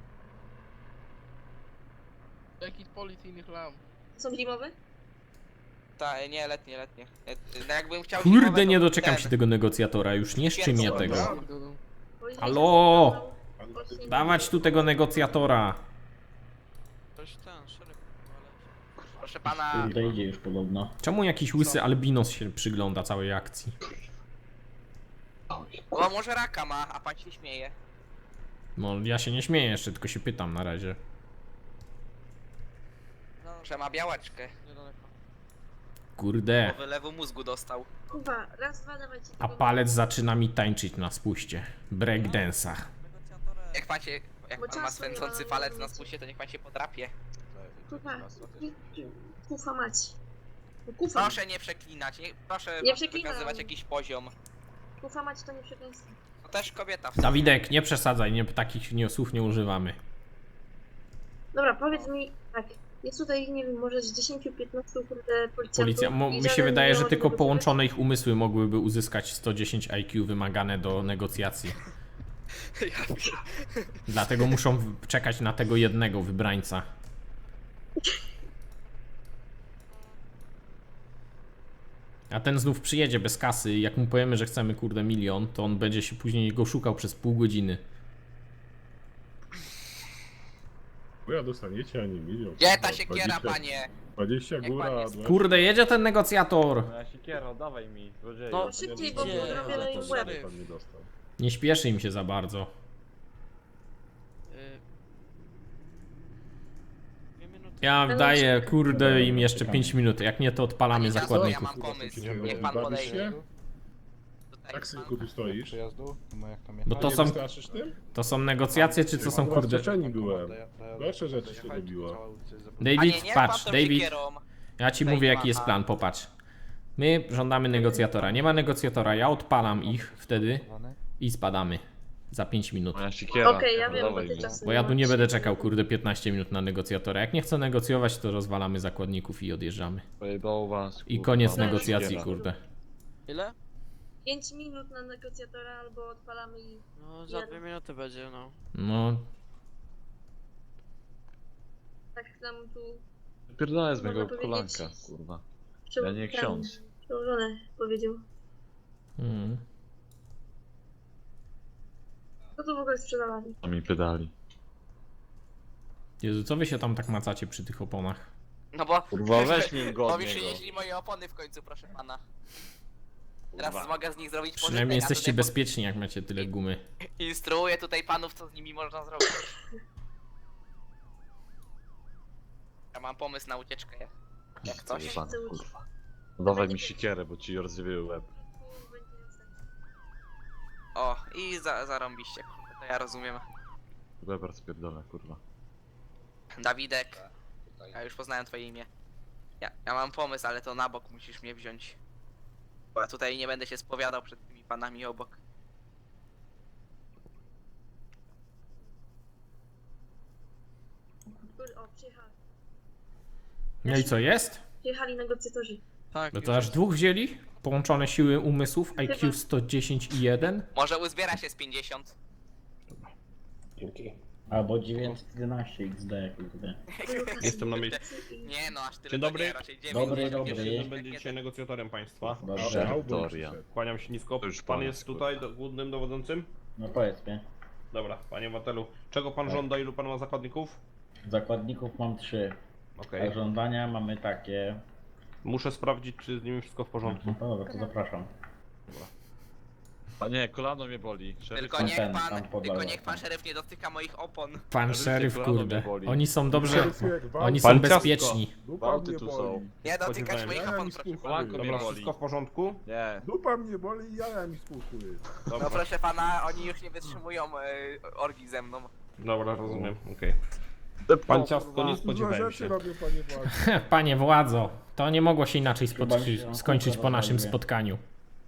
[SPEAKER 7] Jakiś policyjnych lamp.
[SPEAKER 4] Są zimowe?
[SPEAKER 3] Ta, nie, letnie, letnie. E, No jakbym chciał
[SPEAKER 2] Kurde,
[SPEAKER 3] zimowe,
[SPEAKER 2] nie
[SPEAKER 3] to
[SPEAKER 2] doczekam
[SPEAKER 3] ten.
[SPEAKER 2] się tego negocjatora, już nie szczy mnie tego.
[SPEAKER 4] Policja
[SPEAKER 2] Halo?
[SPEAKER 4] się właśnie-
[SPEAKER 2] Dawać tu tego negocjatora.
[SPEAKER 7] Ktoś ten, szereg.
[SPEAKER 3] Proszę pana,
[SPEAKER 1] Kurde, idzie już podobno.
[SPEAKER 2] Czemu jakiś łysy albinos się przygląda całej akcji?
[SPEAKER 3] bo może raka ma, a pan się śmieje.
[SPEAKER 2] No ja się nie śmieję jeszcze, tylko się pytam na razie.
[SPEAKER 3] No, że ma białaczkę,
[SPEAKER 7] Niedaleko.
[SPEAKER 2] Kurde.
[SPEAKER 3] bo wylewu mózgu dostał.
[SPEAKER 4] Kurwa, raz, dwa, dawajcie.
[SPEAKER 2] A
[SPEAKER 4] tego-
[SPEAKER 2] palec zaczyna mi tańczyć na spuście. Breakdance'a.
[SPEAKER 3] Jak pan się, jak
[SPEAKER 4] Bo
[SPEAKER 3] pan ma
[SPEAKER 4] czasu nie
[SPEAKER 3] swędzący
[SPEAKER 4] ma,
[SPEAKER 3] palec
[SPEAKER 4] nie
[SPEAKER 3] na
[SPEAKER 4] wiecie.
[SPEAKER 3] spuście, to niech pan się podrapie.
[SPEAKER 4] Kurwa, kufa mać. No kufa,
[SPEAKER 3] Proszę nie przeklinać, nie, proszę
[SPEAKER 4] Nie
[SPEAKER 3] pan
[SPEAKER 4] przeklinam.
[SPEAKER 3] wykazywać jakiś poziom.
[SPEAKER 4] kufa mać to nie przekleństwo.
[SPEAKER 3] To też kobieta w sumie.
[SPEAKER 2] Dawidek, nie przesadzaj, nie, takich nie, słów nie używamy.
[SPEAKER 4] Dobra, powiedz mi tak. Jest tutaj, nie wiem, może z dziesięciu piętnastu kurde policjantów.
[SPEAKER 2] Policja, mo,
[SPEAKER 4] i
[SPEAKER 2] mi się
[SPEAKER 4] żaden
[SPEAKER 2] wydaje,
[SPEAKER 4] nie
[SPEAKER 2] że
[SPEAKER 4] może
[SPEAKER 2] tylko
[SPEAKER 4] negocjować?
[SPEAKER 2] połączone ich umysły mogłyby uzyskać sto dziesięć I Q wymagane do negocjacji.
[SPEAKER 3] Ja pier-
[SPEAKER 2] Dlatego muszą w- czekać na tego jednego wybrańca. A ten znów przyjedzie bez kasy i jak mu powiemy, że chcemy kurde milion, to on będzie się później go szukał przez pół godziny.
[SPEAKER 6] Bo ja dostaniecie, a nie milion.
[SPEAKER 3] Gdzie ta
[SPEAKER 6] Kurwa,
[SPEAKER 3] siekiera,
[SPEAKER 6] dwadzieścia
[SPEAKER 3] panie?
[SPEAKER 6] dwadzieścia
[SPEAKER 3] Niech
[SPEAKER 6] góra,
[SPEAKER 3] pan jest-
[SPEAKER 6] dwadzieścia
[SPEAKER 2] Kurde, jedzie ten negocjator!
[SPEAKER 5] Moja siekiera, dawaj mi, złodzieju.
[SPEAKER 7] No,
[SPEAKER 4] Szybciej, bo
[SPEAKER 7] Idzie,
[SPEAKER 4] zrobię
[SPEAKER 7] ale
[SPEAKER 4] im
[SPEAKER 7] to
[SPEAKER 4] łeb.
[SPEAKER 7] szeryf.
[SPEAKER 6] pan nie dostał.
[SPEAKER 2] Nie śpieszy im się za bardzo.
[SPEAKER 7] Y... Dwie minuty.
[SPEAKER 2] Ja daję kurde im jeszcze pięć minut, jak nie to odpalamy
[SPEAKER 3] Panie Gazo, ja
[SPEAKER 2] zakładników.
[SPEAKER 3] mam pomysł,
[SPEAKER 6] Nie
[SPEAKER 3] niech pan
[SPEAKER 6] bawisz
[SPEAKER 3] podejdzie.
[SPEAKER 6] się?
[SPEAKER 3] Tutaj
[SPEAKER 6] Tak,
[SPEAKER 3] pan-
[SPEAKER 6] synku, tu stoisz.
[SPEAKER 9] Przyjazdu? No jak tam
[SPEAKER 2] Bo
[SPEAKER 6] A
[SPEAKER 2] to
[SPEAKER 6] nie
[SPEAKER 2] są,
[SPEAKER 6] wystraszysz tym?
[SPEAKER 2] to są negocjacje, czy to są kurde...
[SPEAKER 6] Zaskoczeni byłem. Gorsze rzeczy się robiło.
[SPEAKER 3] Panie,
[SPEAKER 2] David,
[SPEAKER 3] niech pan
[SPEAKER 2] patrz,
[SPEAKER 3] tą
[SPEAKER 2] David,
[SPEAKER 3] siekierą.
[SPEAKER 2] ja ci
[SPEAKER 3] Tutaj
[SPEAKER 2] mówię
[SPEAKER 3] nie
[SPEAKER 2] jaki
[SPEAKER 3] ma,
[SPEAKER 2] jest
[SPEAKER 3] a-
[SPEAKER 2] plan, popatrz. My żądamy negocjatora, nie ma negocjatora, ja odpalam ich wtedy i spadamy. Za pięć minut.
[SPEAKER 5] Moja siekiera.
[SPEAKER 4] Okej, ja wiem, bo
[SPEAKER 5] dawaj
[SPEAKER 4] ty
[SPEAKER 5] mi.
[SPEAKER 4] czasem
[SPEAKER 2] Bo ja tu nie
[SPEAKER 4] masz.
[SPEAKER 2] będę czekał kurde piętnaście minut na negocjatora. Jak nie chcę negocjować, to rozwalamy zakładników i odjeżdżamy.
[SPEAKER 5] Pojebało was,
[SPEAKER 2] I
[SPEAKER 5] kurwa,
[SPEAKER 2] koniec
[SPEAKER 5] moja
[SPEAKER 2] negocjacji,
[SPEAKER 5] siekiera.
[SPEAKER 2] kurde.
[SPEAKER 7] Ile?
[SPEAKER 4] pięć minut na negocjatora albo odpalamy i...
[SPEAKER 7] No, za dwie minuty będzie, no.
[SPEAKER 2] No,
[SPEAKER 4] Tak nam tu
[SPEAKER 5] Pierdolę z
[SPEAKER 4] Można
[SPEAKER 5] mojego
[SPEAKER 4] powiedzieć-
[SPEAKER 5] kolanka, kurwa.
[SPEAKER 4] prze...
[SPEAKER 5] Ja nie
[SPEAKER 4] ten
[SPEAKER 5] ksiądz.
[SPEAKER 4] Przełożone powiedział.
[SPEAKER 2] mm.
[SPEAKER 4] Co tu w ogóle sprzedawali?
[SPEAKER 5] To mi pedali.
[SPEAKER 2] Jezu, co wy się tam tak macacie przy tych oponach?
[SPEAKER 3] No bo...
[SPEAKER 5] Kurwa, weź mi go
[SPEAKER 3] Bo
[SPEAKER 5] od
[SPEAKER 3] mi
[SPEAKER 5] niego.
[SPEAKER 3] przynieśli moje opony w końcu, proszę pana. Teraz
[SPEAKER 5] Kurwa.
[SPEAKER 3] mogę z nich zrobić pożytek,
[SPEAKER 2] Przynajmniej
[SPEAKER 3] a
[SPEAKER 2] jesteście
[SPEAKER 3] tutaj
[SPEAKER 2] bezpieczni, jak macie tyle gumy.
[SPEAKER 3] po- Instruuję tutaj panów, co z nimi można zrobić. Ja mam pomysł na ucieczkę. Jak
[SPEAKER 5] Co
[SPEAKER 3] coś.
[SPEAKER 5] pan, kurwa. No dawaj mi siekierę, bo ci rozwieje łeb.
[SPEAKER 4] Tu będzie następny.
[SPEAKER 3] O, i za, zarąbiście, kurde, to ja rozumiem.
[SPEAKER 5] Weber spierdolę, kurwa.
[SPEAKER 3] Dawidek, ja już poznałem twoje imię. Ja, ja mam pomysł, ale to na bok musisz mnie wziąć. Bo ja tutaj nie będę się spowiadał przed tymi panami obok.
[SPEAKER 4] Kur- O, przyjechali.
[SPEAKER 2] No i co jest?
[SPEAKER 4] Przyjechali negocjatorzy.
[SPEAKER 7] Tak,
[SPEAKER 2] No
[SPEAKER 7] już
[SPEAKER 2] to aż
[SPEAKER 7] jest.
[SPEAKER 2] dwóch wzięli? Połączone siły umysłów I Q sto dziesięć i jeden?
[SPEAKER 3] Może uzbiera się z pięćdziesiąt.
[SPEAKER 1] Dzięki. Albo dziewięćset jedenaście X D, kurde.
[SPEAKER 8] Jestem na miejscu.
[SPEAKER 3] Nie no, aż tyle
[SPEAKER 8] Dzień
[SPEAKER 3] to
[SPEAKER 8] dobry.
[SPEAKER 3] nie, raczej dziewięć.
[SPEAKER 1] Dobry,
[SPEAKER 3] może
[SPEAKER 1] dobry.
[SPEAKER 3] pierwszy
[SPEAKER 8] Jeden
[SPEAKER 3] rzut
[SPEAKER 8] będzie
[SPEAKER 3] rakiety.
[SPEAKER 8] dzisiaj negocjatorem państwa.
[SPEAKER 1] Dobrze.
[SPEAKER 5] Wiktoria.
[SPEAKER 8] Kłaniam się nisko.
[SPEAKER 5] To już
[SPEAKER 8] Pan
[SPEAKER 5] pan
[SPEAKER 8] jest
[SPEAKER 5] jest,
[SPEAKER 8] tutaj
[SPEAKER 5] kurwa.
[SPEAKER 8] do, głównym dowodzącym?
[SPEAKER 1] No powiedz mi.
[SPEAKER 8] Dobra, panie Watelu. Czego pan
[SPEAKER 1] Tak.
[SPEAKER 8] żąda? Ilu pan ma zakładników?
[SPEAKER 1] Zakładników mam trzy.
[SPEAKER 8] Okej.
[SPEAKER 1] A żądania mamy takie.
[SPEAKER 8] Muszę sprawdzić, czy z nimi wszystko w porządku.
[SPEAKER 1] No dobra, to zapraszam.
[SPEAKER 5] A nie, kolano mnie boli. Szeryf,
[SPEAKER 3] Tylko
[SPEAKER 9] Tam
[SPEAKER 3] niech
[SPEAKER 9] ten,
[SPEAKER 3] pan,
[SPEAKER 9] tam po
[SPEAKER 3] tylko
[SPEAKER 9] dole,
[SPEAKER 3] niech pan
[SPEAKER 9] tam.
[SPEAKER 3] szeryf nie dotyka moich opon.
[SPEAKER 2] Pan
[SPEAKER 5] Szeryfie,
[SPEAKER 2] szeryf,
[SPEAKER 5] kolano mnie
[SPEAKER 2] kurde.
[SPEAKER 5] boli.
[SPEAKER 2] Oni są dobrze.
[SPEAKER 6] Szeryfie, jak gwałt.
[SPEAKER 2] Oni
[SPEAKER 8] Pan
[SPEAKER 2] są
[SPEAKER 8] ciastko.
[SPEAKER 2] bezpieczni.
[SPEAKER 6] Dupa
[SPEAKER 5] Gwałty
[SPEAKER 6] mnie
[SPEAKER 5] tu
[SPEAKER 6] boli.
[SPEAKER 5] są.
[SPEAKER 3] Nie dotykać
[SPEAKER 8] Spodziewałem
[SPEAKER 3] moich
[SPEAKER 6] się.
[SPEAKER 3] opon,
[SPEAKER 6] Ja mi
[SPEAKER 3] proszę pana.
[SPEAKER 5] Kolanko mnie
[SPEAKER 8] Dobra,
[SPEAKER 5] boli.
[SPEAKER 8] wszystko w porządku?
[SPEAKER 5] Nie.
[SPEAKER 6] Dupa mnie boli i jaja mi spłuchły.
[SPEAKER 3] No
[SPEAKER 8] Dobra,
[SPEAKER 3] proszę pana, oni już nie wytrzymują e, orgi ze mną.
[SPEAKER 8] dobra, rozumiem, okej. Pan ciastko, nie
[SPEAKER 6] Dużo
[SPEAKER 8] spodziewałem
[SPEAKER 6] rzeczy
[SPEAKER 8] się.
[SPEAKER 6] robię, panie władzy.
[SPEAKER 2] Panie władzo, to nie mogło się inaczej
[SPEAKER 9] Chyba
[SPEAKER 2] spot-
[SPEAKER 9] mi się
[SPEAKER 2] skończyć po naszym
[SPEAKER 9] rozładuje.
[SPEAKER 2] spotkaniu.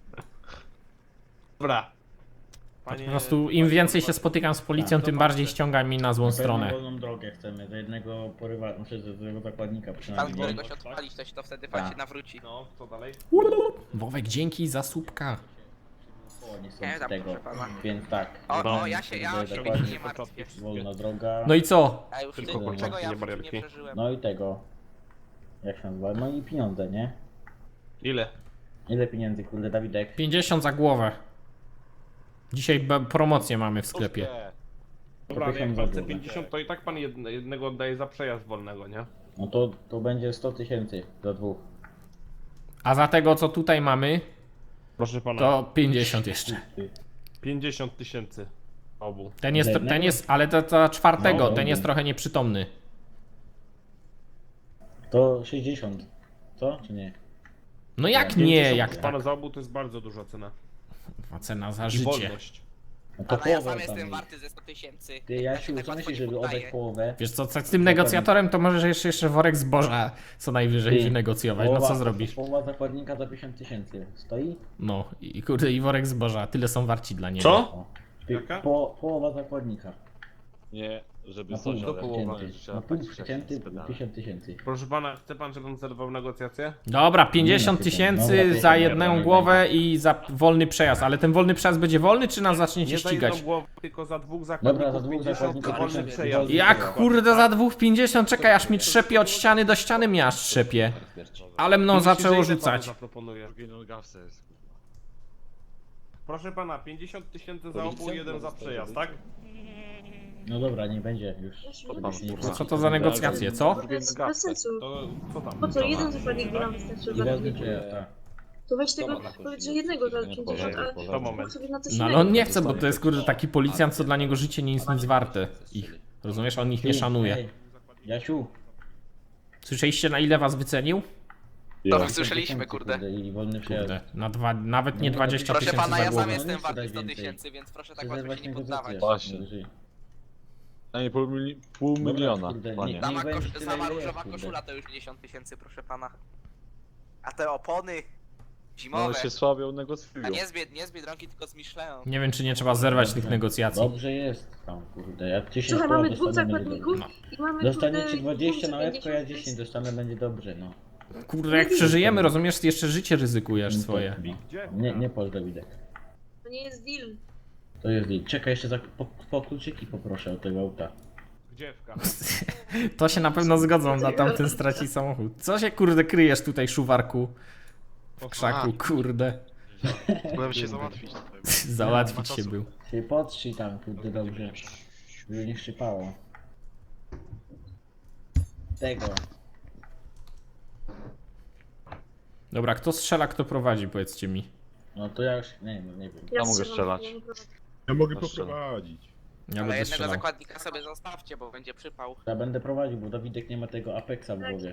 [SPEAKER 8] Dobra.
[SPEAKER 2] Po
[SPEAKER 8] Panie,
[SPEAKER 2] prostu im więcej się spotykam z policją,
[SPEAKER 9] Tak,
[SPEAKER 2] tym
[SPEAKER 8] to
[SPEAKER 2] bardziej
[SPEAKER 8] patrzę.
[SPEAKER 2] ściąga mi na złą
[SPEAKER 9] Na pewno
[SPEAKER 2] stronę.
[SPEAKER 9] wolną drogę chcemy, do jednego porywa, znaczy do jednego zakładnika
[SPEAKER 3] Pan,
[SPEAKER 9] przynajmniej.
[SPEAKER 3] którego się odpalić, to się to wtedy pan
[SPEAKER 9] Tak.
[SPEAKER 3] się nawróci.
[SPEAKER 8] No, co dalej?
[SPEAKER 2] Wowek, dzięki za słupka.
[SPEAKER 9] Oni są
[SPEAKER 3] Nie,
[SPEAKER 9] z
[SPEAKER 3] tam
[SPEAKER 9] tego,
[SPEAKER 3] proszę pana.
[SPEAKER 9] więc tak.
[SPEAKER 3] O,
[SPEAKER 8] No.
[SPEAKER 3] o, ja się, ja
[SPEAKER 9] Kurde,
[SPEAKER 3] się
[SPEAKER 9] dokładnie.
[SPEAKER 3] nie martwię.
[SPEAKER 9] Wolna droga.
[SPEAKER 2] No i co?
[SPEAKER 3] A już
[SPEAKER 8] Tylko
[SPEAKER 3] ty,
[SPEAKER 9] kurczaki,
[SPEAKER 3] czego ja
[SPEAKER 8] nie
[SPEAKER 3] w życiu nie
[SPEAKER 8] barierki.
[SPEAKER 3] przeżyłem.
[SPEAKER 9] No i tego. Jak się nazywa? No i pieniądze, nie?
[SPEAKER 8] Ile?
[SPEAKER 9] Ile pieniędzy, kurde, Dawidek?
[SPEAKER 2] pięćdziesiąt za głowę. Dzisiaj be- promocję mamy w sklepie.
[SPEAKER 8] Dobra, ale jak
[SPEAKER 9] tysiąc
[SPEAKER 8] pan
[SPEAKER 9] za
[SPEAKER 8] chce
[SPEAKER 9] głowę.
[SPEAKER 8] pięćdziesiąt, to i tak pan jedne, jednego oddaje za przejazd wolnego, nie?
[SPEAKER 9] No to, to będzie sto tysięcy za dwóch.
[SPEAKER 2] A za tego, co tutaj mamy,
[SPEAKER 8] Proszę pana,
[SPEAKER 2] to pięćdziesiąt jeszcze.
[SPEAKER 8] pięćdziesiąt tysięcy obu.
[SPEAKER 2] Ten jest,
[SPEAKER 9] Za
[SPEAKER 2] ten
[SPEAKER 9] jednego?
[SPEAKER 2] jest, ale to za czwartego,
[SPEAKER 9] No,
[SPEAKER 2] ten
[SPEAKER 9] dobra.
[SPEAKER 2] jest trochę nieprzytomny.
[SPEAKER 9] To sześćdziesiąt. Co? Czy nie?
[SPEAKER 2] No jak
[SPEAKER 9] Nie,
[SPEAKER 2] nie,
[SPEAKER 8] pięćdziesiąt
[SPEAKER 2] jak
[SPEAKER 8] proszę
[SPEAKER 2] tak?
[SPEAKER 8] pana za obu to jest bardzo duża cena.
[SPEAKER 2] A cena za
[SPEAKER 8] I
[SPEAKER 2] życie.
[SPEAKER 8] wolność.
[SPEAKER 9] No to
[SPEAKER 3] Ale ja
[SPEAKER 9] połowę
[SPEAKER 3] sam
[SPEAKER 9] tam
[SPEAKER 3] jestem
[SPEAKER 9] jest.
[SPEAKER 3] warty ze sto tysięcy.
[SPEAKER 9] Ty, Jasiu, co myślisz, żeby oddać połowę?
[SPEAKER 2] Wiesz co, co z tym negocjatorem, to możesz jeszcze, jeszcze worek zboża co najwyżej
[SPEAKER 9] Ty,
[SPEAKER 2] wynegocjować. No co
[SPEAKER 9] Połowa-
[SPEAKER 2] zrobisz?
[SPEAKER 9] Połowa zakładnika za pięćdziesiąt tysięcy. Stoi?
[SPEAKER 2] No i kurde, i worek zboża, tyle są warci dla niego.
[SPEAKER 8] Co?
[SPEAKER 9] O. Ty,
[SPEAKER 8] Jaka?
[SPEAKER 9] Po, połowa zakładnika.
[SPEAKER 5] Nie, żeby
[SPEAKER 9] Na pół
[SPEAKER 5] coś, ale
[SPEAKER 9] przecięty. Na pół przecięty pięćdziesiąt tysięcy.
[SPEAKER 8] Proszę pana, chce pan, żebym zerwał negocjacje?
[SPEAKER 2] Dobra, pięćdziesiąt
[SPEAKER 9] Nie,
[SPEAKER 2] tysięcy
[SPEAKER 9] dobra,
[SPEAKER 2] za
[SPEAKER 9] to
[SPEAKER 2] jedną
[SPEAKER 9] nie
[SPEAKER 2] głowę i za wolny przejazd. Ale ten wolny przejazd będzie wolny, czy nas zaczniecie
[SPEAKER 8] Nie za
[SPEAKER 2] ścigać?
[SPEAKER 8] jedną głowę, tylko za dwóch zakładników
[SPEAKER 9] Dobra, za dwóch
[SPEAKER 8] pięćdziesiąt
[SPEAKER 9] zakładników
[SPEAKER 8] wolny
[SPEAKER 9] pięćdziesiąt.
[SPEAKER 8] przejazd.
[SPEAKER 2] Jak kurde za dwóch pięćdziesiąt? Czekaj, aż mi trzepie od ściany do ściany, mnie aż trzepie. Ale mną
[SPEAKER 8] Myślisz, że
[SPEAKER 2] zaczęło
[SPEAKER 8] ile panu
[SPEAKER 2] rzucać.
[SPEAKER 8] zaproponuję?
[SPEAKER 5] Drugi gawce jest.
[SPEAKER 8] Proszę pana, pięćdziesiąt tysięcy za obu, jeden za przejazd, tak?
[SPEAKER 9] No dobra, nie będzie już.
[SPEAKER 4] Jasiu, nie
[SPEAKER 5] Pan
[SPEAKER 4] bez-
[SPEAKER 5] kurwa.
[SPEAKER 2] Co to za negocjacje, co?
[SPEAKER 4] To jest bez sensu.
[SPEAKER 8] To co tam?
[SPEAKER 4] Po co? Jeden zakładnik by nam wystarczył
[SPEAKER 9] I
[SPEAKER 4] za
[SPEAKER 9] wolny
[SPEAKER 4] chwilę.
[SPEAKER 9] przejazd, tak.
[SPEAKER 4] To weź tego, powiedz, że jednego za pięćdziesiąt, a
[SPEAKER 8] To
[SPEAKER 4] mógł
[SPEAKER 8] moment.
[SPEAKER 4] sobie na coś
[SPEAKER 2] No ale
[SPEAKER 4] innego.
[SPEAKER 2] on nie chce, bo to jest kurde taki policjant, co dla niego życie nie jest nic warte. Ich. Rozumiesz? On ich nie
[SPEAKER 9] Ty,
[SPEAKER 2] szanuje.
[SPEAKER 9] ej, Jasiu.
[SPEAKER 2] Słyszeliście, na ile was wycenił?
[SPEAKER 3] To
[SPEAKER 5] Ja.
[SPEAKER 3] słyszeliśmy, kurde.
[SPEAKER 9] I wolny przejazd.
[SPEAKER 2] Kurde, na dwa, nawet nie
[SPEAKER 9] No,
[SPEAKER 2] dwadzieścia
[SPEAKER 3] Proszę
[SPEAKER 2] tysięcy
[SPEAKER 3] pana,
[SPEAKER 2] za
[SPEAKER 3] ja sam
[SPEAKER 2] głowę.
[SPEAKER 3] jestem
[SPEAKER 9] Nie
[SPEAKER 3] warty
[SPEAKER 9] daj
[SPEAKER 3] sto
[SPEAKER 9] więcej.
[SPEAKER 3] tysięcy, więc proszę tak
[SPEAKER 9] Przerwać
[SPEAKER 3] łatwo się nie
[SPEAKER 9] negocjacje.
[SPEAKER 3] poddawać.
[SPEAKER 5] Właśnie.
[SPEAKER 9] Najwyżej.
[SPEAKER 5] A nie pół, mili- pół
[SPEAKER 9] Dobra,
[SPEAKER 5] miliona,
[SPEAKER 9] kurde, nie-
[SPEAKER 5] panie.
[SPEAKER 3] Sama,
[SPEAKER 9] będzie
[SPEAKER 3] kosz,
[SPEAKER 9] tyle,
[SPEAKER 3] sama
[SPEAKER 9] ile
[SPEAKER 3] różowa
[SPEAKER 9] jest,
[SPEAKER 3] koszula to już pięćdziesiąt tysięcy, proszę pana. A te opony
[SPEAKER 5] No
[SPEAKER 3] zimowe,
[SPEAKER 5] się słabią negocjują.
[SPEAKER 3] a nie z, Bied- nie z Biedronki, tylko z Michelin.
[SPEAKER 2] Nie wiem, czy nie trzeba zerwać tych negocjacji.
[SPEAKER 9] Dobrze jest tam, kurde. Jak tysiąc
[SPEAKER 4] Słuchaj,
[SPEAKER 9] koła
[SPEAKER 4] mamy dwóch
[SPEAKER 9] dostanę, będzie
[SPEAKER 4] zakładników
[SPEAKER 9] dobrze.
[SPEAKER 4] i mamy
[SPEAKER 9] Dostaniecie
[SPEAKER 4] kurde,
[SPEAKER 9] dwadzieścia na
[SPEAKER 4] pięćdziesiąt,
[SPEAKER 9] łebko, ja dziesięć dostanę, będzie dobrze, no.
[SPEAKER 2] Kurde, jak przeżyjemy, rozumiesz, jeszcze życie ryzykujesz
[SPEAKER 9] Nie
[SPEAKER 2] swoje.
[SPEAKER 8] Gdzie?
[SPEAKER 9] Nie, nie pozdro Dawidek.
[SPEAKER 4] To nie jest deal.
[SPEAKER 9] To jest deal. Czekaj, jeszcze za, po, po kluczyki poproszę od tego auta.
[SPEAKER 8] Gdziewka.
[SPEAKER 2] To się na pewno zgodzą, na tamten straci samochód. Co się kurde kryjesz tutaj, szuwarku? W krzaku, kurde.
[SPEAKER 5] Byłem się załatwić.
[SPEAKER 2] Załatwić się był.
[SPEAKER 9] Się potrzyj tam, kurde, dobrze. Żeby nie szczypało. Tego.
[SPEAKER 2] Dobra, kto strzela, kto prowadzi, powiedzcie mi.
[SPEAKER 9] No to ja już, nie wiem, nie wiem.
[SPEAKER 5] Ja mogę
[SPEAKER 4] strzelam,
[SPEAKER 5] strzelać.
[SPEAKER 4] ja nie prowadzę.
[SPEAKER 6] Ja mogę
[SPEAKER 5] Proszę.
[SPEAKER 6] poprowadzić.
[SPEAKER 2] Ja
[SPEAKER 3] Ale
[SPEAKER 2] będę
[SPEAKER 3] jednego
[SPEAKER 2] strzelał.
[SPEAKER 3] zakładnika sobie zostawcie, bo będzie przypał.
[SPEAKER 9] Ja będę prowadził, bo Dawidek nie ma tego Apexa w głowie.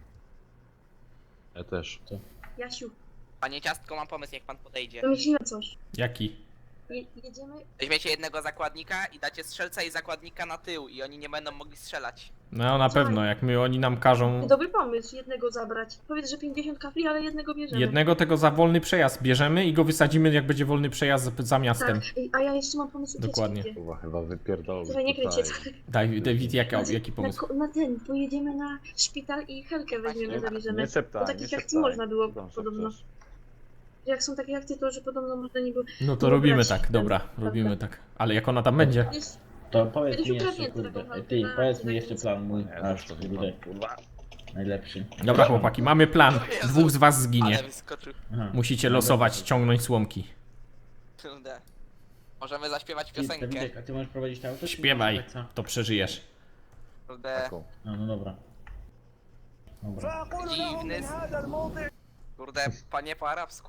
[SPEAKER 5] Ja też.
[SPEAKER 4] Jasiu,
[SPEAKER 3] Panie Ciastko, mam pomysł, jak pan podejdzie.
[SPEAKER 4] wymyśliłem coś.
[SPEAKER 2] Jaki?
[SPEAKER 4] Je, jedziemy,
[SPEAKER 3] Weźmiecie jednego zakładnika i dacie strzelca i zakładnika na tył i oni nie będą mogli strzelać.
[SPEAKER 2] No na pewno, jak my oni nam każą
[SPEAKER 4] dobry pomysł, jednego zabrać. Powiedz, że pięćdziesiąt kafli, ale jednego bierzemy.
[SPEAKER 2] jednego tego za wolny przejazd bierzemy i go wysadzimy, jak będzie wolny przejazd za- za miastem.
[SPEAKER 4] Tak, Ej, a ja jeszcze mam pomysł
[SPEAKER 2] Dokładnie.
[SPEAKER 4] ucieczki.
[SPEAKER 5] Chyba, chyba wypierdolę.
[SPEAKER 4] Słuchaj, nie kryjcie.
[SPEAKER 2] Daj, David, jaka,
[SPEAKER 4] Na-
[SPEAKER 2] jaki pomysł?
[SPEAKER 4] Na, ko- na ten, pojedziemy na szpital i Helkę weźmiemy, zabierzemy.
[SPEAKER 5] Nie szeptaj,
[SPEAKER 4] Bo
[SPEAKER 5] nie
[SPEAKER 4] takich akcji
[SPEAKER 5] szeptaj.
[SPEAKER 4] można było
[SPEAKER 5] Tam
[SPEAKER 4] podobno.
[SPEAKER 5] szepczesz.
[SPEAKER 4] Jak są takie akcje, to że podobno można nie było.
[SPEAKER 2] No to
[SPEAKER 4] nie
[SPEAKER 2] robimy
[SPEAKER 4] brać
[SPEAKER 2] tak,
[SPEAKER 4] ten-
[SPEAKER 2] dobra,
[SPEAKER 4] prawda?
[SPEAKER 2] robimy tak. Ale jak ona tam będzie?
[SPEAKER 4] Jest,
[SPEAKER 9] To powiedz
[SPEAKER 4] Kiedyś
[SPEAKER 9] mi jeszcze,
[SPEAKER 4] ukradnięto taką
[SPEAKER 9] kurde.
[SPEAKER 4] walkę
[SPEAKER 9] Ty,
[SPEAKER 4] na-
[SPEAKER 9] powiedz
[SPEAKER 4] na
[SPEAKER 9] mi jeszcze
[SPEAKER 4] granicy.
[SPEAKER 9] plan mój.
[SPEAKER 5] Nie,
[SPEAKER 9] Aż,
[SPEAKER 5] to
[SPEAKER 9] kurde. Najlepszy.
[SPEAKER 2] Dobra chłopaki, mamy plan.
[SPEAKER 3] Jezu.
[SPEAKER 2] Dwóch z was zginie.
[SPEAKER 3] Ale wyskoczył.
[SPEAKER 9] Aha.
[SPEAKER 2] Musicie losować, ciągnąć słomki.
[SPEAKER 3] Kurde. Możemy zaśpiewać
[SPEAKER 9] Ty,
[SPEAKER 3] piosenkę.
[SPEAKER 9] Dawidek, a ty możesz prowadzić to auto? czy
[SPEAKER 2] Śpiewaj,
[SPEAKER 9] masz Apexa?
[SPEAKER 2] to przeżyjesz.
[SPEAKER 3] Kurde.
[SPEAKER 5] Taką.
[SPEAKER 9] No, no dobra. Dobra.
[SPEAKER 3] Dziwny. s- Kurde, panie po arabsku.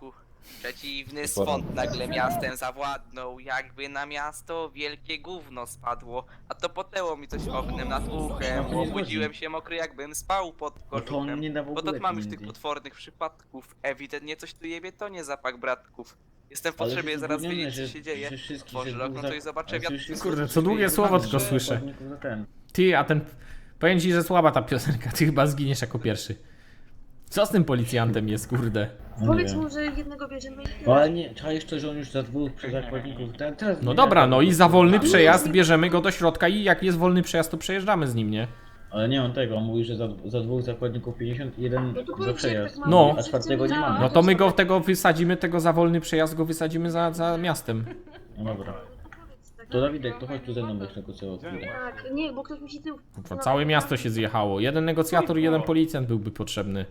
[SPEAKER 3] Przeciwny swąd nagle miastem zawładnął, jakby na miasto wielkie gówno spadło. A to potęło mi coś ognem nad uchem. Obudziłem się mokry, jakbym spał pod
[SPEAKER 9] No to on
[SPEAKER 3] kożuchem.
[SPEAKER 9] nie da w
[SPEAKER 3] Bo
[SPEAKER 9] ogóle
[SPEAKER 3] to mam już tych
[SPEAKER 9] pieniędzy.
[SPEAKER 3] potwornych przypadków. Ewidentnie coś tu jebie, to nie zapach bratków. Jestem w
[SPEAKER 9] Ale
[SPEAKER 3] potrzebie,
[SPEAKER 9] że
[SPEAKER 3] zaraz
[SPEAKER 9] zgubnione,
[SPEAKER 3] wiedzieć co
[SPEAKER 9] że-
[SPEAKER 3] się dzieje.
[SPEAKER 9] że wszystkich,
[SPEAKER 3] Otworzę
[SPEAKER 9] że
[SPEAKER 3] okno,
[SPEAKER 9] dwóch
[SPEAKER 3] to i
[SPEAKER 9] za-
[SPEAKER 3] zobaczę
[SPEAKER 9] ale
[SPEAKER 3] wiatr.
[SPEAKER 9] przecież
[SPEAKER 2] Kurde, co długie słowo tylko słyszę.
[SPEAKER 9] zakładników za ten.
[SPEAKER 2] Ty, a ten... Powiem ci, że słaba ta piosenka, ty chyba zginiesz jako pierwszy. Co z tym policjantem jest, kurde?
[SPEAKER 9] No nie
[SPEAKER 4] Powiedz
[SPEAKER 9] wiem.
[SPEAKER 4] mu, że jednego bierzemy i
[SPEAKER 9] No ale nie, trzeba jeszcze, że on już za dwóch przy zakładników. Ten, teraz
[SPEAKER 2] No
[SPEAKER 9] nie
[SPEAKER 2] dobra,
[SPEAKER 9] tak,
[SPEAKER 2] no i za wolny przejazd bierzemy go do środka i jak jest wolny przejazd, to przejeżdżamy z nim, nie?
[SPEAKER 9] Ale nie on tego, on mówi, że za, za dwóch zakładników pięćdziesiąt, jeden
[SPEAKER 4] No to
[SPEAKER 9] za
[SPEAKER 4] powiedz, że jak
[SPEAKER 9] przejazd.
[SPEAKER 4] tak mamy,
[SPEAKER 2] No.
[SPEAKER 9] A czwartego nie mamy.
[SPEAKER 2] No to my go tego wysadzimy, tego za wolny przejazd go wysadzimy za, za miastem.
[SPEAKER 9] No dobra.
[SPEAKER 4] tak.
[SPEAKER 9] To Dawidek, to chodź tu ze mną, będziesz negocjował. chwilę.
[SPEAKER 4] Tak, nie, bo ktoś mi się tył...
[SPEAKER 2] Kurwa, całe miasto się zjechało. Jeden negocjator i jeden policjant byłby potrzebny.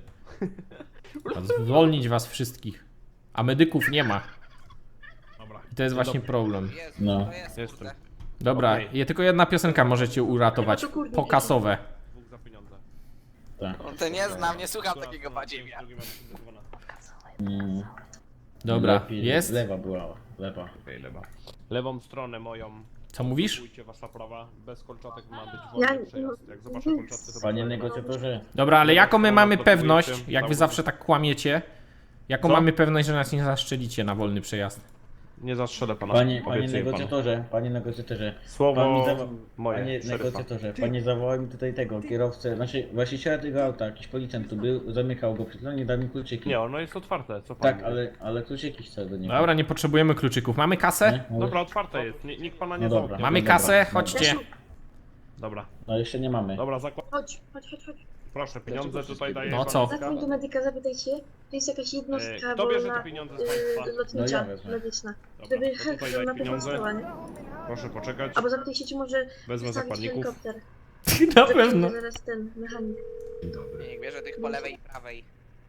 [SPEAKER 2] A zwolnić was wszystkich. A medyków nie ma.
[SPEAKER 8] Dobra.
[SPEAKER 2] I to jest właśnie problem.
[SPEAKER 3] Jezu,
[SPEAKER 9] No.
[SPEAKER 3] to jest,
[SPEAKER 8] Jestem.
[SPEAKER 3] kurde.
[SPEAKER 2] Dobra,
[SPEAKER 8] Okej.
[SPEAKER 2] je tylko jedna piosenka możecie uratować. Pokasowe.
[SPEAKER 8] Dwóch za pieniądze.
[SPEAKER 9] Tak.
[SPEAKER 3] On to nie znam, nie słucham takiego
[SPEAKER 8] Która-
[SPEAKER 3] badziewia.
[SPEAKER 8] drugi ma zdecydowana.
[SPEAKER 9] Mm,
[SPEAKER 2] Dobra,
[SPEAKER 9] lepiej-
[SPEAKER 2] jest?
[SPEAKER 9] Lewa była, lewa.
[SPEAKER 8] Okej, lewa. Lewą stronę moją.
[SPEAKER 2] Co mówisz?
[SPEAKER 8] Spróbujcie wasza prawa. Bez kolczatek ma być
[SPEAKER 4] Ja-
[SPEAKER 8] wolny przejazd. Jak zobaczę kolczatkę, to
[SPEAKER 9] Panie
[SPEAKER 8] będę-
[SPEAKER 9] negocjatorze,
[SPEAKER 2] Dobra, ale jaką my mamy
[SPEAKER 8] Gotujcie,
[SPEAKER 2] pewność, jak wy
[SPEAKER 8] cały-
[SPEAKER 2] zawsze tak kłamiecie, jaką
[SPEAKER 8] Co?
[SPEAKER 2] mamy pewność, że nas nie zaszczelicie na wolny przejazd?
[SPEAKER 8] Nie zastrzelę pana.
[SPEAKER 9] panie, panie
[SPEAKER 8] obiecuję panu.
[SPEAKER 9] negocjatorze, panie negocjatorze. Pan mi
[SPEAKER 8] Słowo
[SPEAKER 9] zawa-
[SPEAKER 8] moje,
[SPEAKER 9] Panie
[SPEAKER 8] szeryfa.
[SPEAKER 9] negocjatorze, panie zawołał mi tutaj tego kierowcę, znaczy właściciela tego auta, jakiś policjant tu był, zamykał go przed chwilą, nie dał mi kluczyki.
[SPEAKER 8] Nie, ono jest otwarte, co pan
[SPEAKER 9] Tak,
[SPEAKER 8] mówi?
[SPEAKER 9] ale, ale kluczyki chcę do niego.
[SPEAKER 2] Dobra, nie potrzebujemy kluczyków. Mamy kasę?
[SPEAKER 9] Nie? No,
[SPEAKER 8] Dobra, otwarte jest, Ni- nikt pana nie
[SPEAKER 9] No dobra.
[SPEAKER 8] zamknie.
[SPEAKER 2] Mamy
[SPEAKER 9] Dobra,
[SPEAKER 2] kasę?
[SPEAKER 9] dobra.
[SPEAKER 2] Chodźcie.
[SPEAKER 8] Dobra,
[SPEAKER 9] No jeszcze nie mamy.
[SPEAKER 8] dobra, zakład...
[SPEAKER 4] Chodź, chodź, chodź, chodź.
[SPEAKER 8] Proszę, pieniądze tutaj daję.
[SPEAKER 2] No co?
[SPEAKER 4] Zadzwoń do medyka, zapytaj się, to jest jakaś
[SPEAKER 8] E,
[SPEAKER 4] jednostka
[SPEAKER 8] kto bierze
[SPEAKER 4] wolna,
[SPEAKER 8] te pieniądze z
[SPEAKER 4] y,
[SPEAKER 8] państwa?
[SPEAKER 9] No
[SPEAKER 4] lotnicza,
[SPEAKER 9] ja wezmę.
[SPEAKER 4] medyczna.
[SPEAKER 8] Dobra,
[SPEAKER 4] Żeby
[SPEAKER 8] to tutaj daj
[SPEAKER 4] na
[SPEAKER 8] pieniądze.
[SPEAKER 4] pewno nie?
[SPEAKER 8] Proszę poczekać.
[SPEAKER 4] Albo zapytaj się, czy może
[SPEAKER 8] Wezmę
[SPEAKER 4] wystawić
[SPEAKER 8] zakładników.
[SPEAKER 4] helikopter.
[SPEAKER 2] Na
[SPEAKER 4] Że
[SPEAKER 2] pewno.
[SPEAKER 4] przyjdzie zaraz ten mechanik.
[SPEAKER 3] Niech bierze tych po lewej i prawej.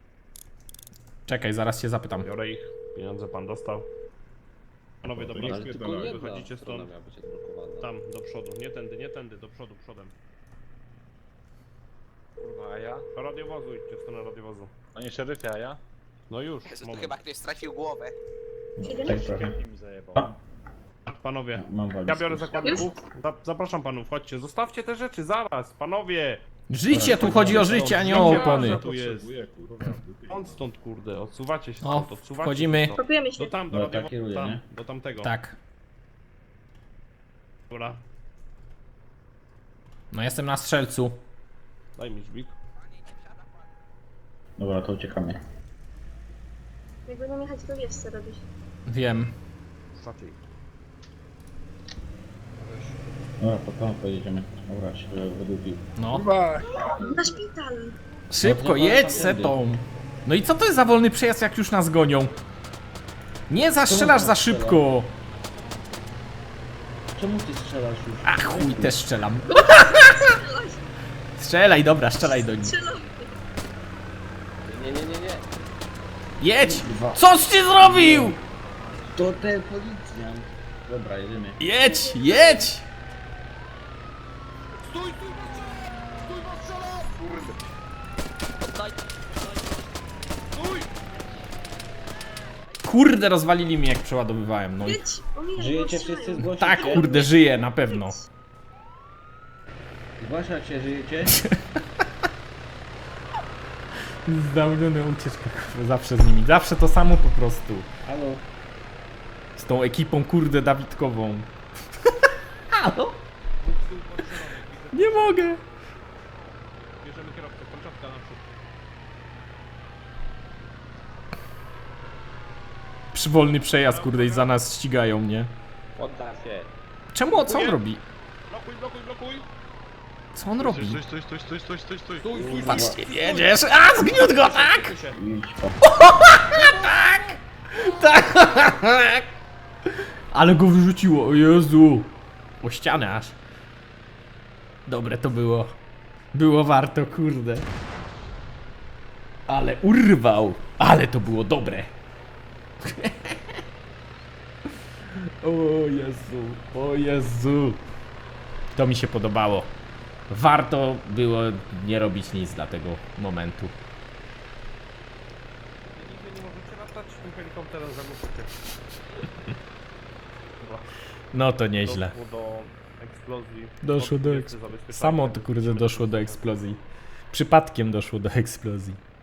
[SPEAKER 2] Czekaj, zaraz się zapytam.
[SPEAKER 8] Biorę ich, pieniądze pan dostał. Panowie,
[SPEAKER 6] To
[SPEAKER 8] dobra,
[SPEAKER 6] nie spierdalają.
[SPEAKER 8] wychodzicie stąd. Tam, do przodu, nie tędy, nie tędy, do przodu, przodem.
[SPEAKER 5] Kurwa, a ja?
[SPEAKER 8] Do radiowozu idźcie w stronę radiowozu.
[SPEAKER 5] Panie szeryfie, a ja?
[SPEAKER 8] No już,
[SPEAKER 3] Jezu, tu
[SPEAKER 8] moment.
[SPEAKER 3] chyba ktoś stracił głowę.
[SPEAKER 9] Tak trochę.
[SPEAKER 5] mi zajebał.
[SPEAKER 8] Panowie,
[SPEAKER 9] Mam walizkę.
[SPEAKER 8] ja biorę zakładników. Za- Zapraszam panów, chodźcie, zostawcie te rzeczy, zaraz, panowie!
[SPEAKER 2] Życie, tu chodzi o życie, a nie o opony.
[SPEAKER 8] Tu jest.
[SPEAKER 6] Potrzebuję, kurwa.
[SPEAKER 8] On stąd, kurde, odsuwacie się
[SPEAKER 2] O,
[SPEAKER 8] stąd, odsuwacie
[SPEAKER 2] wchodzimy.
[SPEAKER 8] się stąd.
[SPEAKER 4] Pakujemy się.
[SPEAKER 8] Do tam, do
[SPEAKER 9] No, tak
[SPEAKER 8] radiowozu,
[SPEAKER 9] kieruję,
[SPEAKER 8] tam,
[SPEAKER 9] nie?
[SPEAKER 8] do tamtego.
[SPEAKER 2] Tak.
[SPEAKER 8] Dobra,
[SPEAKER 2] No jestem na strzelcu.
[SPEAKER 8] daj mi drzwik.
[SPEAKER 9] Dobra, to uciekamy.
[SPEAKER 4] Jak będą jechać, to wiesz co robisz.
[SPEAKER 2] Wiem.
[SPEAKER 8] Szatej.
[SPEAKER 9] Dobra, po to pojedziemy. Dobra, się wydupił.
[SPEAKER 2] No.
[SPEAKER 4] Na szpital!
[SPEAKER 2] Szybko,
[SPEAKER 9] No,
[SPEAKER 2] jedź
[SPEAKER 9] tamtędy.
[SPEAKER 2] setą. No i co to jest za wolny przejazd, jak już nas gonią? Nie zastrzelasz za szybko.
[SPEAKER 9] Czemu ty strzelasz już?
[SPEAKER 2] A chuj, też strzelam. Strzelaj, dobra, strzelaj do nich.
[SPEAKER 4] Strzelam!
[SPEAKER 5] Nie, nie, nie, nie.
[SPEAKER 2] Jedź! Coś ty zrobił?
[SPEAKER 9] To ten policjant. Dobra, jedziemy.
[SPEAKER 2] Jedź, jedź! Kurde, rozwalili mnie jak przeładowywałem, no i...
[SPEAKER 4] Jedź! Omijaj,
[SPEAKER 9] Żyjecie
[SPEAKER 4] bo
[SPEAKER 9] wszyscy?
[SPEAKER 4] strzelają.
[SPEAKER 9] Zgłosić
[SPEAKER 2] Tak,
[SPEAKER 9] się?
[SPEAKER 2] kurde, żyję, na pewno.
[SPEAKER 9] Zgłaszać się, żyjecie?
[SPEAKER 2] Zdałniony ucieczka, kurwa, zawsze z nimi, zawsze to samo po prostu.
[SPEAKER 9] Halo?
[SPEAKER 2] Z tą ekipą, kurde, Dawidkową. Halo? Nie mogę.
[SPEAKER 8] Bierzemy kierowcę, kolczatka naprzód.
[SPEAKER 2] Przywolny przejazd, kurde, i za nas ścigają mnie.
[SPEAKER 5] Podda się.
[SPEAKER 2] Czemu, co on robi?
[SPEAKER 8] Blokuj, blokuj, blokuj!
[SPEAKER 2] Co on robi?
[SPEAKER 5] Stój, stój, stój, stój, stój, stój, stój.
[SPEAKER 8] Stój, stój,
[SPEAKER 2] Patrzcie, jedziesz! A, zgniótł go, tak!
[SPEAKER 8] stój się.
[SPEAKER 9] Idź po...
[SPEAKER 2] Tak! Ale go wyrzuciło, o Jezu! O ścianę aż. Dobre to było. Było warto, kurde. Ale urwał! Ale to było dobre. O Jezu, o Jezu. To mi się podobało. Warto było nie robić nic dla tego momentu.
[SPEAKER 8] Nigdy nie możecie latać tym helikopterem. są teraz zagłosujcie. Dobra.
[SPEAKER 2] No to nieźle.
[SPEAKER 8] Doszło do eksplozji.
[SPEAKER 2] Doszło do
[SPEAKER 8] Odbijecie
[SPEAKER 2] eks-
[SPEAKER 8] zabezpieczenia.
[SPEAKER 2] Samo to kurde doszło do eksplozji. Przypadkiem doszło do eksplozji.